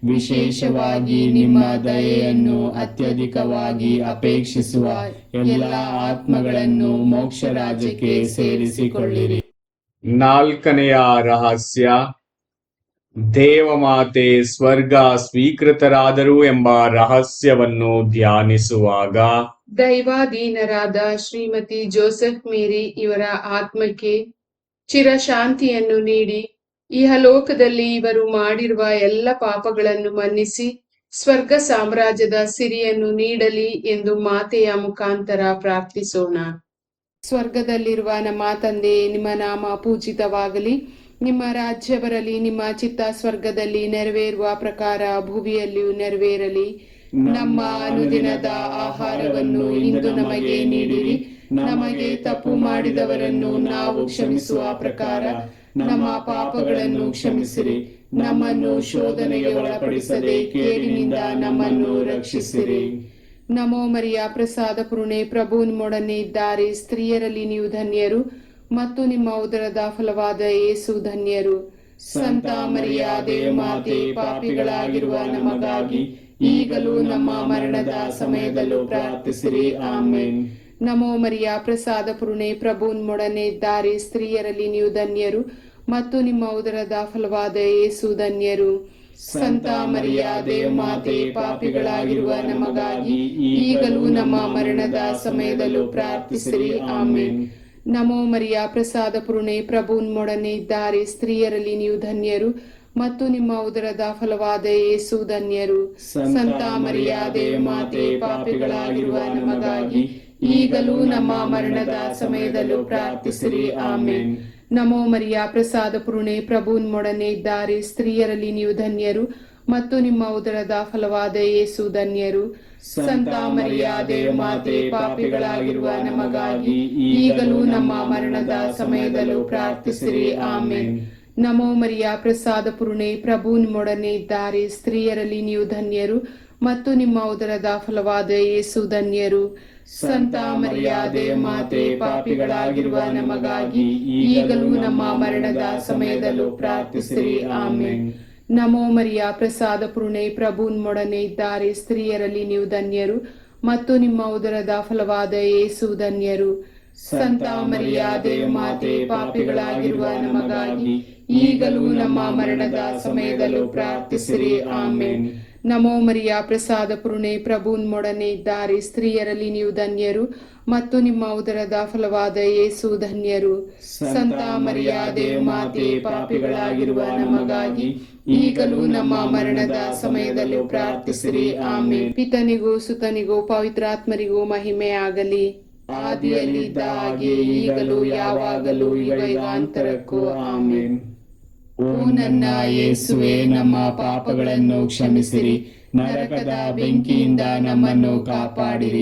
ವಿಶೇಷವಾಗಿ ನಿಮ್ಮ ದಯೆಯನ್ನು ಅತ್ಯಧಿಕವಾಗಿ ಅಪೇಕ್ಷಿಸುವ ಎಲ್ಲ ಆತ್ಮಗಳನ್ನು ಮೋಕ್ಷ ರಾಜ್ಯಕ್ಕೆ ಸೇರಿಸಿಕೊಳ್ಳಿರಿ.
4ನೆಯ ರಹಸ್ಯ, ದೇವಮಾತೆ ಸ್ವರ್ಗ ಸ್ವೀಕೃತರಾದರು ಎಂಬ ರಹಸ್ಯವನ್ನು ಧ್ಯಾನಿಸುವಾಗ
ದೈವಾಧೀನರಾದ ಶ್ರೀಮತಿ ಜೋಸೆಫ್ ಮೇರಿ ಇವರ ಆತ್ಮಕ್ಕೆ ಚಿರಶಾಂತಿಯನ್ನು ನೀಡಿ ಇಹಲೋಕದಲ್ಲಿ ಇವರು ಮಾಡಿರುವ ಎಲ್ಲ ಪಾಪಗಳನ್ನು ಮನ್ನಿಸಿ ಸ್ವರ್ಗ ಸಾಮ್ರಾಜ್ಯದ ಸಿರಿಯನ್ನು ನೀಡಲಿ ಎಂದು ಮಾತೆಯ ಮುಖಾಂತರ ಪ್ರಾರ್ಥಿಸೋಣ. ಸ್ವರ್ಗದಲ್ಲಿರುವ ನಮ್ಮ ತಂದೆ, ನಿಮ್ಮ ನಾಮ ಪೂಜಿತವಾಗಲಿ, ನಿಮ್ಮ ರಾಜ್ಯ ಬರಲಿ, ನಿಮ್ಮ ಚಿತ್ತ ಸ್ವರ್ಗದಲ್ಲಿ ನೆರವೇರುವ ಪ್ರಕಾರ ಭೂಮಿಯಲ್ಲಿಯೂ ನೆರವೇರಲಿ. ನಮ್ಮ ಅನುದಿನದ ಆಹಾರವನ್ನು ಇಂದು ನಮಗೆ ನೀಡಿರಿ. ನಮಗೆ ತಪ್ಪು ಮಾಡಿದವರನ್ನು ನಾವು ಕ್ಷಮಿಸುವ ಪ್ರಕಾರ ನಮ್ಮ ಪಾಪಗಳನ್ನು ಕ್ಷಮಿಸಿರಿ. ನಮ್ಮನ್ನು ಶೋಧನೆಗೆ ಒಳಪಡಿಸದೆ ಕೇಡಿನಿಂದ ನಮ್ಮನ್ನು ರಕ್ಷಿಸಿರಿ. ನಮೋ ಮರಿಯ, ಪ್ರಸಾದ ಪೂರ್ಣೆ, ಪ್ರಭು ನಿಮ್ಮೊಡನೆ ಇದ್ದಾರೆ. ಸ್ತ್ರೀಯರಲ್ಲಿ ನೀವು ಧನ್ಯರು ಮತ್ತು ನಿಮ್ಮ ಉದರದ ಫಲವಾದ ಯೇಸು ಧನ್ಯರು. ಸಂತ ಮರಿಯ ದೇವಮಾತೆ, ಪಾಪಿಗಳಾಗಿರುವ ನಮಗಾಗಿ ಈಗಲೂ ನಮ್ಮ ಮರಣದ ಸಮಯದಲ್ಲೂ ಪ್ರಾರ್ಥಿಸಿರಿ. ಆಮೇನ್. ನಮೋ ಮರಿಯ, ಪ್ರಸಾದ ಪೂರ್ಣೆ, ಪ್ರಭು ನಿಮ್ಮೊಡನೆ ಇದ್ದಾರೆ. ಸ್ತ್ರೀಯರಲ್ಲಿ ನೀವು ಧನ್ಯರು ಮತ್ತು ನಿಮ್ಮ ಉದರದ ಫಲವಾದ ಯೇಸು ಧನ್ಯರು. ಸಂತ ಮರಿಯ ದೇವಮಾತೆ, ಪಾಪಿಗಳಾಗಿರುವ ನಮಗಾಗಿ ಈಗಲೂ ನಮ್ಮ ಮರಣದ ಸಮಯದಲ್ಲೂ ಪ್ರಾರ್ಥಿಸಿರಿ. ಆಮೇನ್. ನಮೋ ಮರಿಯ, ಪ್ರಸಾದ ಪೂರ್ಣೆ, ಪ್ರಭು ನಿಮ್ಮೊಡನೆ ಇದ್ದಾರೆ. ಸ್ತ್ರೀಯರಲ್ಲಿ ನೀವು ಧನ್ಯರು ಮತ್ತು ನಿಮ್ಮ ಉದರದ ಫಲವಾದ ಯೇಸು ಧನ್ಯರು. ಸಂತ ಮರಿಯ ದೇವಮಾತೆ, ಪಾಪಿಗಳಾಗಿರುವ ನಮಗಾಗಿ ಈಗಲೂ ನಮ್ಮ ಮರಣದ ಸಮಯದಲ್ಲೂ ಪ್ರಾರ್ಥಿಸಿರಿ. ಆಮೇನ್. ನಮೋ ಮರಿಯ, ಪ್ರಸಾದ ಪೂರ್ಣೆ, ಪ್ರಭು ನಿಮ್ಮೊಡನೆ ಇದ್ದಾರೆ. ಸ್ತ್ರೀಯರಲ್ಲಿ ನೀವು ಧನ್ಯರು ಮತ್ತು ನಿಮ್ಮ ಉದರದ ಫಲವಾದ ಯೇಸು ಧನ್ಯರು. ಸಂತ ಮರಿಯ ದೇವಮಾತೆ, ಪಾಪಿಗಳಾಗಿರುವ ನಮಗಾಗಿ ಈಗಲೂ ನಮ್ಮ ಮರಣದ ಸಮಯದಲ್ಲೂ ಪ್ರಾರ್ಥಿಸಿರಿ. ಆಮೇನ್. ನಮೋ ಮರಿಯ, ಪ್ರಸಾದ ಪೂರ್ಣೆ, ಪ್ರಭು ನಿಮ್ಮೊಡನೆ ಇದ್ದಾರೆ. ಸ್ತ್ರೀಯರಲ್ಲಿ ನೀವು ಧನ್ಯರು ಮತ್ತು ನಿಮ್ಮ ಉದರದ ಫಲವಾದ ಯೇಸು ಧನ್ಯರು. ಸಂತ ಮರಿಯ ದೇವಮಾತೆ, ಪಾಪಿಗಳಾಗಿರುವ ನಮಗಾಗಿ ಈಗಲೂ ನಮ್ಮ ಮರಣದ ಸಮಯದಲ್ಲೂ ಪ್ರಾರ್ಥಿಸಿರಿ. ಆಮೇನ್. ನಮೋ ಮರಿಯ, ಪ್ರಸಾದ ಪೂರ್ಣೆ, ಪ್ರಭು ನಿಮ್ಮೊಡನೆ ಇದ್ದಾರೆ. ಸ್ತ್ರೀಯರಲ್ಲಿ ನೀವು ಧನ್ಯರು ಮತ್ತು ನಿಮ್ಮ ಉದರದ ಫಲವಾದ ಯೇಸು ಧನ್ಯರು. ಸಂತ ಮರಿಯ ದೇವಮಾತೆ, ಪಾಪಿಗಳಾಗಿರುವ ನಮಗಾಗಿ ಈಗಲೂ ನಮ್ಮ ಮರಣದ ಸಮಯದಲ್ಲೂ ಪ್ರಾರ್ಥಿಸಿರಿ. ಆಮೇನ್. ನಮೋ ಮರಿಯ, ಪ್ರಸಾದ ಪೂರ್ಣೆ, ಪ್ರಭು ನಿಮ್ಮೊಡನೆ ಇದ್ದಾರೆ. ಸ್ತ್ರೀಯರಲ್ಲಿ ನೀವು ಧನ್ಯರು ಮತ್ತು ನಿಮ್ಮ ಉದರದ ಫಲವಾದ ಯೇಸು ಧನ್ಯರು. ಸಂತ ಮರಿಯ ದೇವಮಾತೆ, ಪಾಪಿಗಳಾಗಿರುವ ನಮಗಾಗಿ ಈಗಲೂ ನಮ್ಮ ಮರಣದ ಸಮಯದಲ್ಲೂ ಪ್ರಾರ್ಥಿಸಿರಿ. ಆಮೇನ್. ಪಿತನಿಗೂ ಸುತನಿಗೂ ಪವಿತ್ರಾತ್ಮರಿಗೂ ಮಹಿಮೆ ಆಗಲಿ, ಆದಿಯಲ್ಲಿದ್ದ ಹಾಗೆ ಈಗಲೂ ಯಾವಾಗಲೂ ಯುಗಾಂತರಕ್ಕೂ. ಆಮೇನ್.
ಓ ನನ್ನ ಯೇಸುವೆ, ನಮ್ಮ ಪಾಪಗಳನ್ನು ಕ್ಷಮಿಸಿರಿ, ನರಕದ ಬೆಂಕಿಯಿಂದ ನಮ್ಮನ್ನು ಕಾಪಾಡಿರಿ.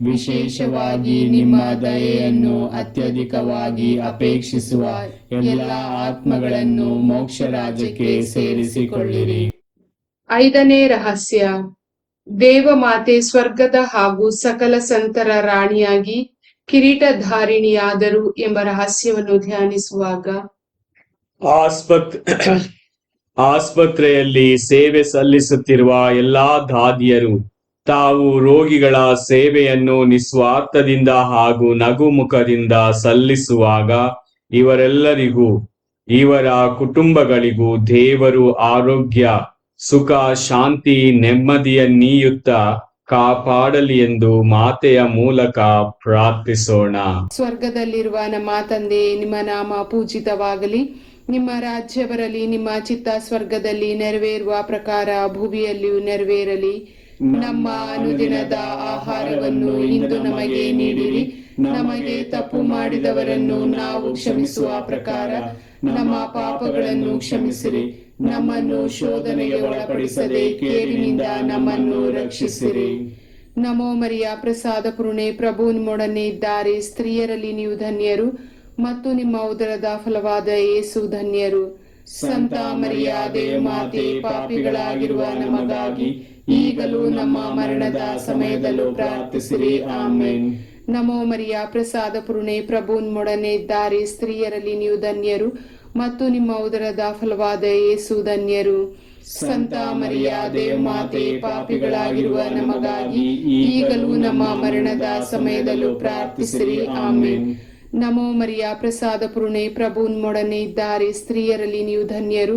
ವಿಶೇಷವಾಗಿ ನಿಮ್ಮ ದಯೆಯನ್ನು ಅತ್ಯಧಿಕವಾಗಿ ಅಪೇಕ್ಷಿಸುವ ಎಲ್ಲ ಆತ್ಮಗಳನ್ನು ಮೋಕ್ಷ ರಾಜ್ಯಕ್ಕೆ ಸೇರಿಸಿಕೊಳ್ಳಿರಿ.
5ನೇ ರಹಸ್ಯ, ದೇವಮಾತೆ ಸ್ವರ್ಗದ ಹಾಗೂ ಸಕಲ ಸಂತರ ರಾಣಿಯಾಗಿ ಕಿರೀಟಧಾರಿಣಿಯಾದರು ಎಂಬ ರಹಸ್ಯವನ್ನು ಧ್ಯಾನಿಸುವಾಗ
ಆಸ್ಪತ್ರೆಯಲ್ಲಿ ಸೇವೆ ಸಲ್ಲಿಸುತ್ತಿರುವ ಎಲ್ಲಾ ದಾದಿಯರು ತಾವು ರೋಗಿಗಳ ಸೇವೆಯನ್ನು ನಿಸ್ವಾರ್ಥದಿಂದ ಹಾಗೂ ನಗುಮುಖದಿಂದ ಸಲ್ಲಿಸುವಾಗ ಇವರೆಲ್ಲರಿಗೂ ಇವರ ಕುಟುಂಬಗಳಿಗೂ ದೇವರು ಆರೋಗ್ಯ, ಸುಖ, ಶಾಂತಿ, ನೆಮ್ಮದಿಯನ್ನೀಯುತ್ತಾ ಕಾಪಾಡಲಿ ಎಂದು ಮಾತೆಯ ಮೂಲಕ ಪ್ರಾರ್ಥಿಸೋಣ.
ಸ್ವರ್ಗದಲ್ಲಿರುವ ನಮ್ಮ ತಂದೆ, ನಿಮ್ಮ ನಾಮ ಪೂಜಿತವಾಗಲಿ, ನಿಮ್ಮ ರಾಜ್ಯ ಬರಲಿ, ನಿಮ್ಮ ಚಿತ್ತ ಸ್ವರ್ಗದಲ್ಲಿ ನೆರವೇರುವ ಪ್ರಕಾರ ಭೂಮಿಯಲ್ಲಿಯೂ ನೆರವೇರಲಿ. ನಮ್ಮ ಅನುದಿನದ ಆಹಾರವನ್ನು ಇಂದು ನಮಗೆ ನೀಡಿರಿ. ನಮಗೆ ತಪ್ಪು ಮಾಡಿದವರನ್ನು ನಾವು ಕ್ಷಮಿಸುವ ಪ್ರಕಾರ ನಮ್ಮ ಪಾಪಗಳನ್ನು ಕ್ಷಮಿಸಿರಿ. ನಮ್ಮನ್ನು ಶೋಧನೆಗೆ ಒಳಪಡಿಸದೆ ಕೇಡಿನಿಂದ ನಮ್ಮನ್ನು ರಕ್ಷಿಸಿರಿ. ನಮೋ ಮರಿಯ, ಪ್ರಸಾದ ಪೂರ್ಣೆ, ಪ್ರಭು ನಿಮ್ಮೊಡನೆ ಇದ್ದಾರೆ. ಸ್ತ್ರೀಯರಲ್ಲಿ ನೀವು ಧನ್ಯರು ಮತ್ತು ನಿಮ್ಮ ಉದರದ ಫಲವಾದ ಯೇಸು ಧನ್ಯರು. ಸಂತ ಮರಿಯ ದೇವಮಾತೆ, ಪಾಪಿಗಳಾಗಿರುವ ನಮಗಾಗಿ ಈಗಲೂ ನಮ್ಮ ಮರಣದ ಸಮಯದಲ್ಲೂ ಪ್ರಾರ್ಥಿಸಿರಿ. ಆಮೇನ್. ನಮೋ ಮರಿಯ, ಪ್ರಸಾದ ಪೂರ್ಣೆ, ಪ್ರಭು ನಿಮ್ಮೊಡನೆ ಇದ್ದಾರೆ. ಸ್ತ್ರೀಯರಲ್ಲಿ ನೀವು ಧನ್ಯರು ಮತ್ತು ನಿಮ್ಮ ಉದರದ ಫಲವಾದ ಯೇಸು ಧನ್ಯರು. ಸಂತ ಮರಿಯ ದೇವಮಾತೆ, ಪಾಪಿಗಳಾಗಿರುವ ನಮಗಾಗಿ ಈಗಲೂ ನಮ್ಮ ಮರಣದ ಸಮಯದಲ್ಲೂ ಪ್ರಾರ್ಥಿಸಿರಿ. ಆಮೇನ್. ನಮೋ ಮರಿಯ, ಪ್ರಸಾದ ಪೂರ್ಣೆ, ಪ್ರಭು ನಿಮ್ಮೊಡನೆ ಇದ್ದಾರೆ. ಸ್ತ್ರೀಯರಲ್ಲಿ ನೀವು ಧನ್ಯರು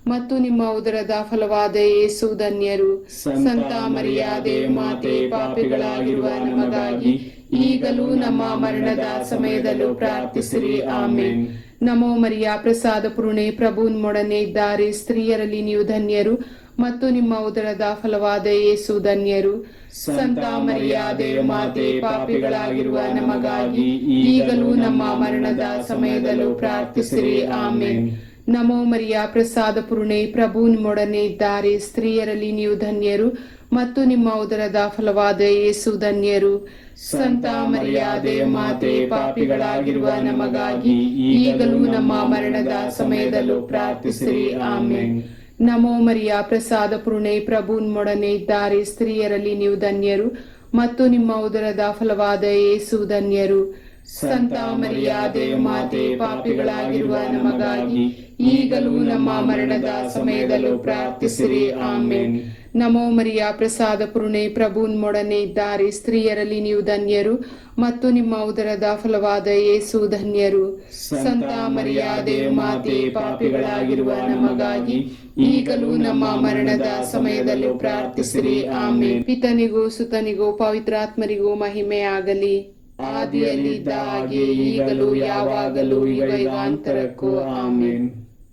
ಮತ್ತು ನಿಮ್ಮ ಉದರದ ಫಲವಾದ ಯೇಸು ಧನ್ಯರು. ಸಂತ ಮರಿಯಾದೆ ಮಾತೆ, ಪಾಪಿಗಳಾಗಿರುವ ನಮಗಾಗಿ ಈಗಲೂ ನಮ್ಮ ಮರಣದ ಸಮಯದಲ್ಲೂ ಪ್ರಾರ್ಥಿಸಿರಿ. ಆಮೆನ್. ನಮೋ ಮರಿಯ, ಪ್ರಸಾದ ಪೂರ್ಣೆ, ಪ್ರಭು ನಿಮ್ಮೊಡನೆ ಇದ್ದಾರೆ. ಸ್ತ್ರೀಯರಲ್ಲಿ ನೀವು ಧನ್ಯರು ಮತ್ತು ನಿಮ್ಮ ಉದರದ ಫಲವಾದ ಯೇಸು ಧನ್ಯರು. ಸಂತ ಮರಿಯಾದೆ ಮಾತೆ, ಪಾಪಿಗಳಾಗಿರುವ ನಮಗಾಗಿ ಈಗಲೂ ನಮ್ಮ ಮರಣದ ಸಮಯದಲ್ಲೂ ಪ್ರಾರ್ಥಿಸಿರಿ. ಆಮೆನ್. ನಮೋ ಮರಿಯ, ಪ್ರಸಾದ ಪೂರ್ಣೆ, ಪ್ರಭು ನಿಮ್ಮೊಡನೆ ಇದ್ದಾರೆ. ಸ್ತ್ರೀಯರಲ್ಲಿ ನೀವು ಧನ್ಯರು ಮತ್ತು ನಿಮ್ಮ ಉದರದ ಫಲವಾದ ಯೇಸು ಧನ್ಯರು. ಸಂತ ಮರಿಯಾದೆ ಮಾತೆ, ಪಾಪಿಗಳಾಗಿರುವ ನಮಗಾಗಿ ಈಗಲೂ ನಮ್ಮ ಮರಣದ ಸಮಯದಲ್ಲೂ ಪ್ರಾರ್ಥಿಸಿರಿ. ಆಮೆನ್. ನಮೋ ಮರಿಯ, ಪ್ರಸಾದ ಪೂರ್ಣೆ, ಪ್ರಭು ನಿಮ್ಮೊಡನೆ ಇದ್ದಾರೆ. ಸ್ತ್ರೀಯರಲ್ಲಿ ನೀವು ಧನ್ಯರು ಮತ್ತು ನಿಮ್ಮ ಉದರದ ಫಲವಾದ ಯೇಸು ಧನ್ಯರು. ಸಂತ ಮರಿಯಾದೆ ಮಾತೆ, ಪಾಪಿಗಳಾಗಿರುವ ನಮಗಾಗಿ ಈಗಲೂ ನಮ್ಮ ಮರಣದ ಸಮಯದಲ್ಲೂ ಪ್ರಾರ್ಥಿಸಿರಿ. ಆಮೆನ್. ನಮೋ ಮರಿಯ, ಪ್ರಸಾದ ಪೂರ್ಣೆ, ಪ್ರಭು ನಿಮ್ಮೊಡನೆ ಇದ್ದಾರೆ. ಸ್ತ್ರೀಯರಲ್ಲಿ ನೀವು ಧನ್ಯರು ಮತ್ತು ನಿಮ್ಮ ಉದರದ ಫಲವಾದ ಯೇಸು ಧನ್ಯರು. ಸಂತ ಮರಿಯಾದೆ ಮಾತೆ, ಪಾಪಿಗಳಾಗಿರುವ ನಮಗಾಗಿ ಈಗಲೂ ನಮ್ಮ ಮರಣದ ಸಮಯದಲ್ಲೂ ಪ್ರಾರ್ಥಿಸಿರಿ. ಆಮೆನ್. ಪಿತನಿಗೂ ಸುತನಿಗೂ ಪವಿತ್ರಾತ್ಮರಿಗೂ ಮಹಿಮೆ ಆಗಲಿ, ಆದಿಯಲ್ಲಿದ್ದ ಹಾಗೆ ಈಗಲೂ ಯಾವಾಗಲೂ ಯುಗಾಂತರಕ್ಕೂ. ಆಮೆನ್.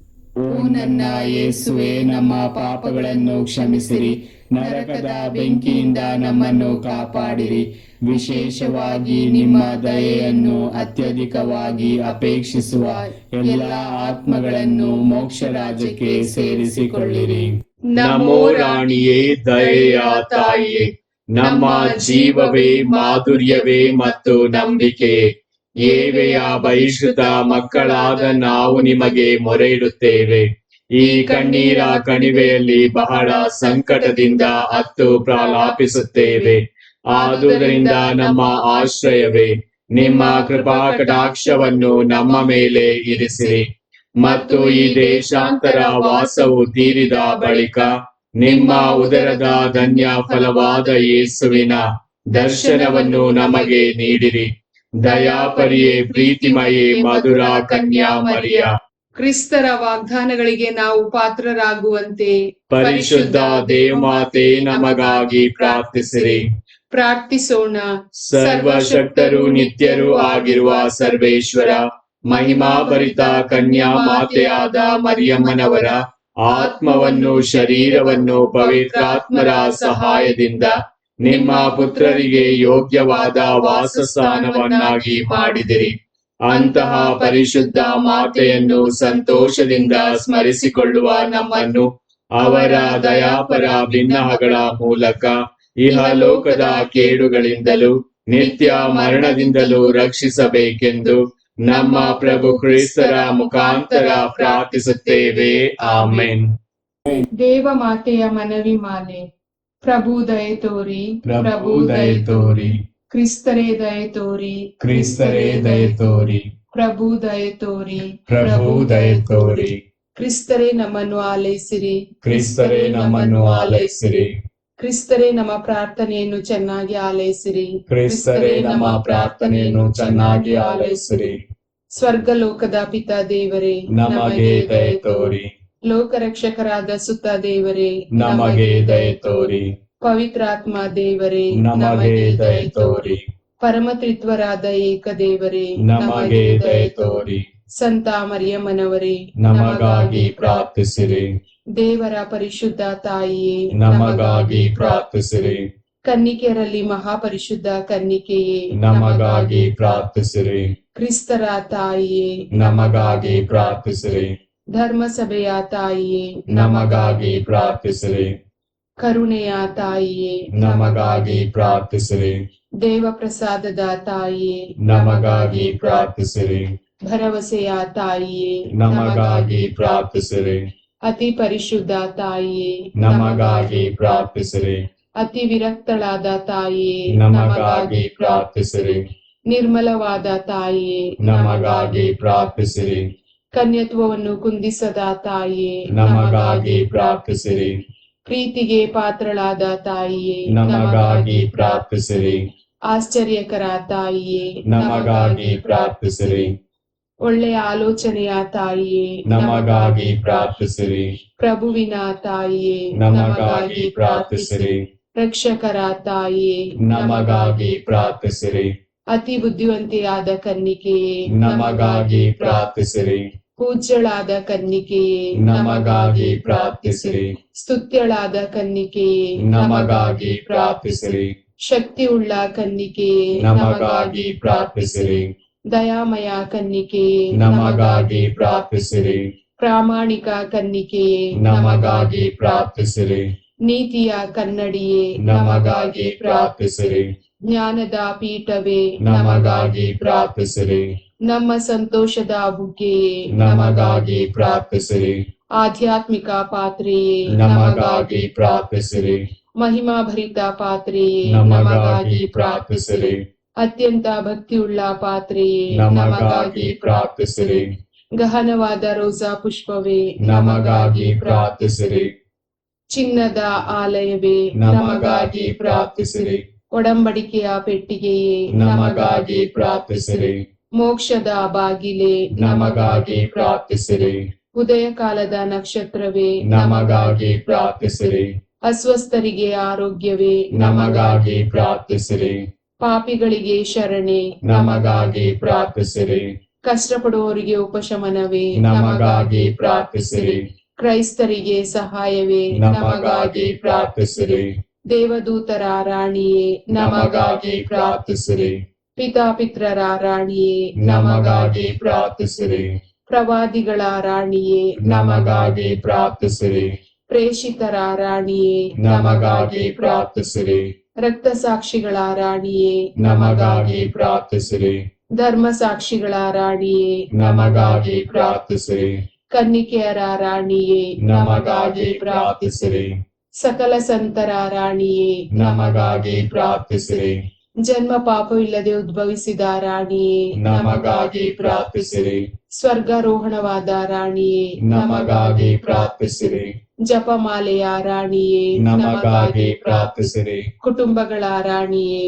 ಓ ನನ್ನ ಯೇಸುವೆ, ನಮ್ಮ ಪಾಪಗಳನ್ನು ಕ್ಷಮಿಸಿರಿ, ನರಕದ ಬೆಂಕಿಯಿಂದ ನಮ್ಮನ್ನು ಕಾಪಾಡಿರಿ. ವಿಶೇಷವಾಗಿ ನಿಮ್ಮ ದಯೆಯನ್ನು ಅತ್ಯಧಿಕವಾಗಿ ಅಪೇಕ್ಷಿಸುವ ಎಲ್ಲ ಆತ್ಮಗಳನ್ನು ಮೋಕ್ಷ ರಾಜ್ಯಕ್ಕೆ ಸೇರಿಸಿಕೊಳ್ಳಿರಿ.
ನಮೋ ರಾಣಿಯೇ, ದಯೆಯ ತಾಯಿಯೇ, ನಮ್ಮ ಜೀವವೇ, ಮಾಧುರ್ಯವೇ ಮತ್ತು ನಂಬಿಕೆ, ಏವೆಯ ಬಹಿಷ್ಕೃತ ಮಕ್ಕಳಾದ ನಾವು ನಿಮಗೆ ಮೊರೆ ಇಡುತ್ತೇವೆ. ಈ ಕಣ್ಣೀರ ಕಣಿವೆಯಲ್ಲಿ ಬಹಳ ಸಂಕಟದಿಂದ ಅತ್ತು ಪ್ರಲಾಪಿಸುತ್ತೇವೆ. ಆದುದರಿಂದ ನಮ್ಮ ಆಶ್ರಯವೇ, ನಿಮ್ಮ ಕೃಪಾ ಕಟಾಕ್ಷವನ್ನು ನಮ್ಮ ಮೇಲೆ ಇರಿಸಿರಿ. ಮತ್ತು ಈ ದೇಶಾಂತರ ವಾಸವು ತೀರಿದ ಬಳಿಕ ನಿಮ್ಮ ಉದರದ ಧನ್ಯ ಫಲವಾದ ಯೇಸುವಿನ ದರ್ಶನವನ್ನು ನಮಗೆ ನೀಡಿರಿ. ದಯಾಪರಿಯೇ, ಪ್ರೀತಿಮಯೇ, ಮಧುರ ಕನ್ಯಾ ಮರಿಯ,
ಕ್ರಿಸ್ತರ ವಾಗ್ದಾನಗಳಿಗೆ ನಾವು ಪಾತ್ರರಾಗುವಂತೆ
ಪರಿಶುದ್ಧ ದೇವಮಾತೆ, ನಮಗಾಗಿ ಪ್ರಾರ್ಥಿಸಿರಿ.
ಪ್ರಾರ್ಥಿಸೋಣ.
ಸರ್ವಶಕ್ತರು ನಿತ್ಯರೂ ಆಗಿರುವ ಸರ್ವೇಶ್ವರ, ಮಹಿಮಾಭರಿತ ಕನ್ಯಾ ಮಾತೆಯಾದ ಮರಿಯಮ್ಮನವರ ಆತ್ಮವನ್ನು, ಶರೀರವನ್ನು ಪವಿತ್ರಾತ್ಮರ ಸಹಾಯದಿಂದ ನಿಮ್ಮ ಪುತ್ರರಿಗೆ ಯೋಗ್ಯವಾದ ವಾಸಸ್ಥಾನವನ್ನಾಗಿ ಮಾಡಿದಿರಿ. ಅಂತಹ ಪರಿಶುದ್ಧ ಮಾತೆಯನ್ನು ಸಂತೋಷದಿಂದ ಸ್ಮರಿಸಿಕೊಳ್ಳುವ ನಮ್ಮನ್ನು ಅವರ ದಯಾಪರ ಬಿನ್ನಹಗಳ ಮೂಲಕ ಇಹಲೋಕದ ಕೇಡುಗಳಿಂದಲೂ ನಿತ್ಯ ಮರಣದಿಂದಲೂ ರಕ್ಷಿಸಬೇಕೆಂದು ನಮ್ಮ ಪ್ರಭು ಕ್ರಿಸ್ತರ ಮುಖಾಂತರ ಪ್ರಾರ್ಥಿಸುತ್ತೇವೆ. ಆಮೆನ್.
ದೇವ ಮಾತೆಯ ಮನವಿ ಮಾಲೆ. ಪ್ರಭು ದಯೆ ತೋರಿ,
ಪ್ರಭು ದಯೆ ತೋರಿ,
ಕ್ರಿಸ್ತರೇ ದಯೆ ತೋರಿ,
ಕ್ರಿಸ್ತರೇ ದಯೆ ತೋರಿ,
ಪ್ರಭು ದಯೆ ತೋರಿ,
ಪ್ರಭು ದಯೆ ತೋರಿ,
ಕ್ರಿಸ್ತರೇ ನಮ್ಮನ್ನು ಆಲೈಸಿರಿ,
ಕ್ರಿಸ್ತರೇ ನಮ್ಮನ್ನು ಆಲೈಸಿರಿ,
ಕ್ರಿಸ್ತರೇ ನಮ್ಮ ಪ್ರಾರ್ಥನೆಯನ್ನು ಚೆನ್ನಾಗಿ ಆಲೈಸಿರಿ,
ಕ್ರಿಸ್ತರೇ ನಮ್ಮ ಪ್ರಾರ್ಥನೆಯನ್ನು ಚೆನ್ನಾಗಿ ಆಲೈಸಿರಿ.
ಸ್ವರ್ಗಲೋಕದ ಪಿತಾ ದೇವರೇ,
ನಮಗೆ ದಯೆ ತೋರಿ,
ಲೋಕರಕ್ಷಕರಾದ ಸುತ್ತ ದೇವರೇ,
ನಮಗೆ ದಯೆ ತೋರಿ,
ಪವಿತ್ರಾತ್ಮ ದೇವರೇ,
ನಮಗೆ ದಯೆ ತೋರಿ,
ಪರಮತ್ರಿತ್ವರಾದ ಏಕ ದೇವರೇ,
ನಮಗೆ ದಯೆ ತೋರಿ,
ಸಂತ ಮರಿಯಮ್ಮನವರೇ,
ನಮಗಾಗಿ ಪ್ರಾರ್ಥಿಸಿರಿ.
ದೇವರ ಪರಿಶುದ್ಧ ತಾಯಿಯೇ,
ನಮಗಾಗಿ ಪ್ರಾರ್ಥಿಸಿರಿ.
ಕನ್ನಿಕೆಯರಲ್ಲಿ ಮಹಾಪರಿಶುದ್ಧ ಕನ್ನಿಕೆಯೇ,
ನಮಗಾಗಿ ಪ್ರಾರ್ಥಿಸಿರಿ.
ಕ್ರಿಸ್ತರ ತಾಯಿಯೇ,
ನಮಗಾಗಿ ಪ್ರಾರ್ಥಿಸಿರಿ.
ಧರ್ಮಸಭೆಯ ತಾಯಿಯೇ,
ನಮಗಾಗಿ ಪ್ರಾರ್ಥಿಸಿರಿ.
ಕರುಣೆಯ ತಾಯಿಯೇ,
ನಮಗಾಗಿ ಪ್ರಾರ್ಥಿಸಿರಿ.
ದೇವ ಪ್ರಸಾದದ ತಾಯಿಯೇ,
ನಮಗಾಗಿ ಪ್ರಾರ್ಥಿಸಿರಿ.
ಭರವಸೆಯ ತಾಯಿಯೇ,
ನಮಗಾಗಿ ಪ್ರಾರ್ಥಿಸಿರಿ.
ಅತಿ ಪರಿಶುದ್ಧ ತಾಯಿಯೇ,
ನಮಗಾಗಿ ಪ್ರಾರ್ಥಿಸಿರಿ.
ಅತಿ ವಿರಕ್ತಳಾದ ತಾಯಿಯೇ,
ನಮಗಾಗಿ ಪ್ರಾರ್ಥಿಸಿರಿ.
ನಿರ್ಮಲವಾದ ತಾಯಿಯೇ,
ನಮಗಾಗಿ ಪ್ರಾರ್ಥಿಸಿರಿ.
ಕನ್ಯತ್ವವನ್ನು ಕುಂದಿಸದ ತಾಯಿಯೇ,
ನಮಗಾಗಿ ಪ್ರಾರ್ಥಿಸಿರಿ.
ಪ್ರೀತಿಗೆ ಪಾತ್ರಳಾದ ತಾಯಿಯೇ,
ನಮಗಾಗಿ ಪ್ರಾರ್ಥಿಸಿರಿ.
ಆಶ್ಚರ್ಯಕರ ತಾಯಿಯೇ,
ನಮಗಾಗಿ ಪ್ರಾರ್ಥಿಸಿರಿ.
ಒಳ್ಳೆಯ ಆಲೋಚನೆಯ ತಾಯಿಯೇ
ನಮಗಾಗಿ ಪ್ರಾರ್ಥಿಸಿರಿ.
ಪ್ರಭುವಿನ ತಾಯಿಯೇ
ನಮಗಾಗಿ ಪ್ರಾರ್ಥಿಸಿರಿ.
ರಕ್ಷಕರ ತಾಯಿಯೇ
ನಮಗಾಗಿ ಪ್ರಾರ್ಥಿಸಿರಿ.
ಅತಿ ಬುದ್ಧಿವಂತೆಯಾದ ಕನ್ನಿಕೆಯೇ
ನಮಗಾಗಿ ಪ್ರಾರ್ಥಿಸಿರಿ.
ಪೂಜ್ಯಳಾದ ಕನ್ನಿಕೆಯೇ
ನಮಗಾಗಿ ಪ್ರಾರ್ಥಿಸಿರಿ.
ಸ್ತುತ್ಯಳಾದ ಕನ್ನಿಕೆಯೇ
ನಮಗಾಗಿ ಪ್ರಾರ್ಥಿಸಿರಿ.
ಶಕ್ತಿಯುಳ್ಳ ಕನ್ನಿಕೆಯೇ
ನಮಗಾಗಿ ಪ್ರಾರ್ಥಿಸಿರಿ.
ದಯಾಮಯ ಕನ್ನಿಕೆಯೇ
ನಮಗಾಗಿ ಪ್ರಾರ್ಥಿಸಿರಿ.
ಪ್ರಾಮಾಣಿಕ ಕನ್ನಿಕೆಯೇ
ನಮಗಾಗಿ ಪ್ರಾರ್ಥಿಸಿರಿ.
ನೀತಿಯ ಕನ್ನಡಿಯೇ
ನಮಗಾಗಿ ಪ್ರಾರ್ಥಿಸಿರಿ.
ಜ್ಞಾನದ ಪೀಠವೇ
ನಮಗಾಗಿ ಪ್ರಾರ್ಥಿಸಿರಿ.
ನಮ್ಮ ಸಂತೋಷದ ಬುಗ್ಗೆಯೇ
ನಮಗಾಗಿ ಪ್ರಾರ್ಥಿಸಿರಿ.
ಆಧ್ಯಾತ್ಮಿಕ ಪಾತ್ರೆಯೇ
ನಮಗಾಗಿ ಪ್ರಾರ್ಥಿಸಿರಿ.
ಮಹಿಮಾಭರಿತ ಪಾತ್ರೆಯೇ
ನಮಗಾಗಿ ಪ್ರಾರ್ಥಿಸಿರಿ.
ಅತ್ಯಂತ ಭಕ್ತಿಯುಳ್ಳ ಪಾತ್ರೆಯೇ
ನಮಗಾಗಿ ಪ್ರಾರ್ಥಿಸಿರಿ.
ಗಹನವಾದ ರೋಸಾ ಪುಷ್ಪವೇ
ನಮಗಾಗಿ ಪ್ರಾರ್ಥಿಸಿರಿ.
ಚಿನ್ನದ ಆಲಯವೇ
ನಮಗಾಗಿ ಪ್ರಾರ್ಥಿಸಿರಿ.
ಒಡಂಬಡಿಕೆಯ ಪೆಟ್ಟಿಗೆಯೇ
ನಮಗಾಗಿ ಪ್ರಾರ್ಥಿಸಿರಿ.
ಮೋಕ್ಷದ ಬಾಗಿಲೇ
ನಮಗಾಗಿ ಪ್ರಾರ್ಥಿಸಿರಿ.
ಉದಯ ಕಾಲದ ನಕ್ಷತ್ರವೇ
ನಮಗಾಗಿ ಪ್ರಾರ್ಥಿಸಿರಿ.
ಅಸ್ವಸ್ಥರಿಗೆ ಆರೋಗ್ಯವೇ
ನಮಗಾಗಿ ಪ್ರಾರ್ಥಿಸಿರಿ.
ಪಾಪಿಗಳಿಗೆ ಶರಣೆ
ನಮಗಾಗಿ ಪ್ರಾರ್ಥಿಸಿರಿ.
ಕಷ್ಟಪಡುವವರಿಗೆ ಉಪಶಮನವೇ
ನಮಗಾಗಿ ಪ್ರಾರ್ಥಿಸಿರಿ.
ಕ್ರೈಸ್ತರಿಗೆ ಸಹಾಯವೇ
ನಮಗಾಗಿ ಪ್ರಾರ್ಥಿಸಿರಿ.
ದೇವದೂತರ ರಾಣಿಯೇ
ನಮಗಾಗಿ ಪ್ರಾರ್ಥಿಸಿರಿ.
ಪಿತಾಪಿತ್ರರ ರಾಣಿಯೇ
ನಮಗಾಗಿ ಪ್ರಾರ್ಥಿಸಿರಿ.
ಪ್ರವಾದಿಗಳ ರಾಣಿಯೇ
ನಮಗಾಗಿ ಪ್ರಾರ್ಥಿಸಿರಿ.
ಪ್ರೇಷಿತರ ರಾಣಿಯೇ
ನಮಗಾಗಿ ಪ್ರಾರ್ಥಿಸಿರಿ.
ರಕ್ತಸಾಕ್ಷಿಗಳ ರಾಣಿಯೇ
ನಮಗಾಗಿ ಪ್ರಾರ್ಥಿಸಿರಿ.
ಧರ್ಮಸಾಕ್ಷಿಗಳ ರಾಣಿಯೇ
ನಮಗಾಗಿ ಪ್ರಾರ್ಥಿಸಿರಿ.
ಕನ್ನಿಕೆಯರ ರಾಣಿಯೇ
ನಮಗಾಗಿ ಪ್ರಾರ್ಥಿಸಿರಿ.
ಸಕಲ ಸಂತರ ರಾಣಿಯೇ
ನಮಗಾಗಿ ಪ್ರಾರ್ಥಿಸಿರಿ.
ಜನ್ಮ ಪಾಪವಿಲ್ಲದೆ ಉದ್ಭವಿಸಿದ ರಾಣಿಯೇ
ನಮಗಾಗಿ ಪ್ರಾರ್ಥಿಸಿರಿ.
ಸ್ವರ್ಗಾರೋಹಣವಾದ ರಾಣಿಯೇ
ನಮಗಾಗಿ ಪ್ರಾರ್ಥಿಸಿರಿ.
ಜಪಮಾಲೆಯ ರಾಣಿಯೇ
ನಮಗಾಗಿ ಪ್ರಾರ್ಥಿಸಿರಿ.
ಕುಟುಂಬಗಳ ರಾಣಿಯೇ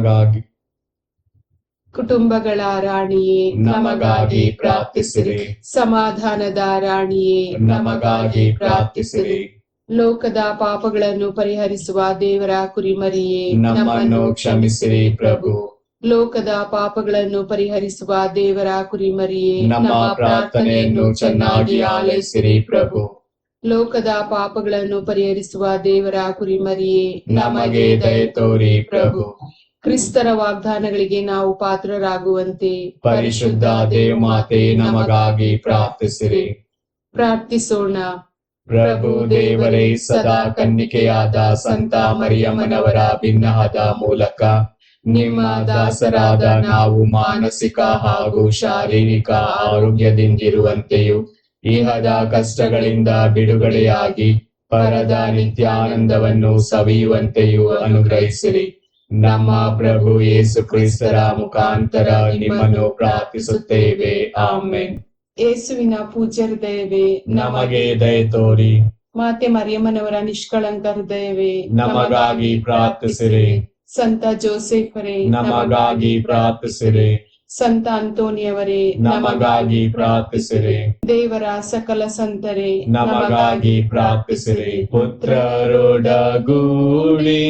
ಕುಟುಂಬಗಳ ರಾಣಿಯೇ ನಮಗಾಗಿ ಪ್ರಾರ್ಥಿಸಿರಿ.
ಸಮಾಧಾನದ ರಾಣಿಯೇ
ನಮಗಾಗಿ ಪ್ರಾರ್ಥಿಸಿರಿ.
ಲೋಕದ ಪಾಪಗಳನ್ನು ಪರಿಹರಿಸುವ ದೇವರ ಕುರಿಮರಿಯೇ
ನಮ್ಮನ್ನು ಕ್ಷಮಿಸಿರಿ ಪ್ರಭು.
ಲೋಕದ ಪಾಪಗಳನ್ನು ಪರಿಹರಿಸುವ ದೇವರ ಕುರಿಮರಿಯೇ
ನಮ್ಮ ಪ್ರಾರ್ಥನೆಯನ್ನು ಚೆನ್ನಾಗಿ ಆಲೈಸಿರಿ ಪ್ರಭು.
ಲೋಕದ ಪಾಪಗಳನ್ನು ಪರಿಹರಿಸುವ ದೇವರ ಕುರಿಮರಿಯೇ
ನಮಗೆ ದಯೆ ತೋರಿ ಪ್ರಭು.
ಕ್ರಿಸ್ತರ ವಾಗ್ದಾನಗಳಿಗೆ ನಾವು ಪಾತ್ರರಾಗುವಂತೆ
ಪರಿಶುದ್ಧ ದೇವಮಾತೆ ನಮಗಾಗಿ ಪ್ರಾರ್ಥಿಸಿರಿ.
ಪ್ರಾರ್ಥಿಸೋಣ.
ಪ್ರಭು ದೇವರೇ, ಸದಾ ಕನ್ನಿಕೆಯಾದ ಸಂತ ಮರಿಯಮ್ಮನವರ ಭಿನ್ನಹದ ಮೂಲಕ ನಿಮ್ಮ ದಾಸರಾದ ನಾವು ಮಾನಸಿಕ ಹಾಗೂ ಶಾರೀರಿಕ ಆರೋಗ್ಯದಿಂದಿರುವಂತೆಯೂ ಇಹದ ಕಷ್ಟಗಳಿಂದ ಬಿಡುಗಡೆಯಾಗಿ ಪರದ ನಿತ್ಯಾನಂದವನ್ನು ಸವಿಯುವಂತೆಯೂ ಅನುಗ್ರಹಿಸಿರಿ. ನಮ್ಮ ಪ್ರಭು ಯೇಸು ಕ್ರಿಸ್ತರ ಮುಖಾಂತರ ನಿಮ್ಮನ್ನು ಪ್ರಾರ್ಥಿಸುತ್ತೇವೆ. ಆಮೆನ್.
ಯೇಸುವಿನ ಪೂಜ್ಯ ಹೃದಯವೇ
ನಮಗೆ ದಯೆ ತೋರಿ.
ಮಾತೆ ಮರಿಯಮ್ಮನವರ ನಿಷ್ಕಳಂಕ ಹೃದಯವೇ
ನಮಗಾಗಿ ಪ್ರಾರ್ಥಿಸಿರಿ.
ಸಂತ ಜೋಸೆಫರೇ
ನಮಗಾಗಿ ಪ್ರಾರ್ಥಿಸಿರಿ.
ಸಂತ ಅಂತೋನಿಯವರೇ
ನಮಗಾಗಿ ಪ್ರಾರ್ಥಿಸಿರಿ.
ದೇವರ ಸಕಲ ಸಂತರೇ
ನಮಗಾಗಿ ಪ್ರಾರ್ಥಿಸಿರಿ. ಪುತ್ರರೊಡಗೂಡಿ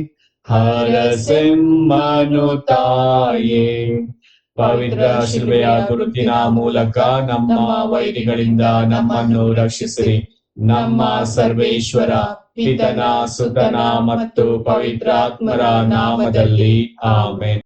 ಹರಸೆಮ್ಮನು ತಾಯೇ, ಪವಿತ್ರ ಶಿಲುಬೆಯ ಗುರುತಿನ ಮೂಲಕ ನಮ್ಮ ವೈರಿಗಳಿಂದ ನಮ್ಮನ್ನು ರಕ್ಷಿಸಿರಿ. ನಮ್ಮ ಸರ್ವೇಶ್ವರ ಪಿತನ ಸುತನ ಮತ್ತು ಪವಿತ್ರಾತ್ಮರ ನಾಮದಲ್ಲಿ ಆಮೆನ್.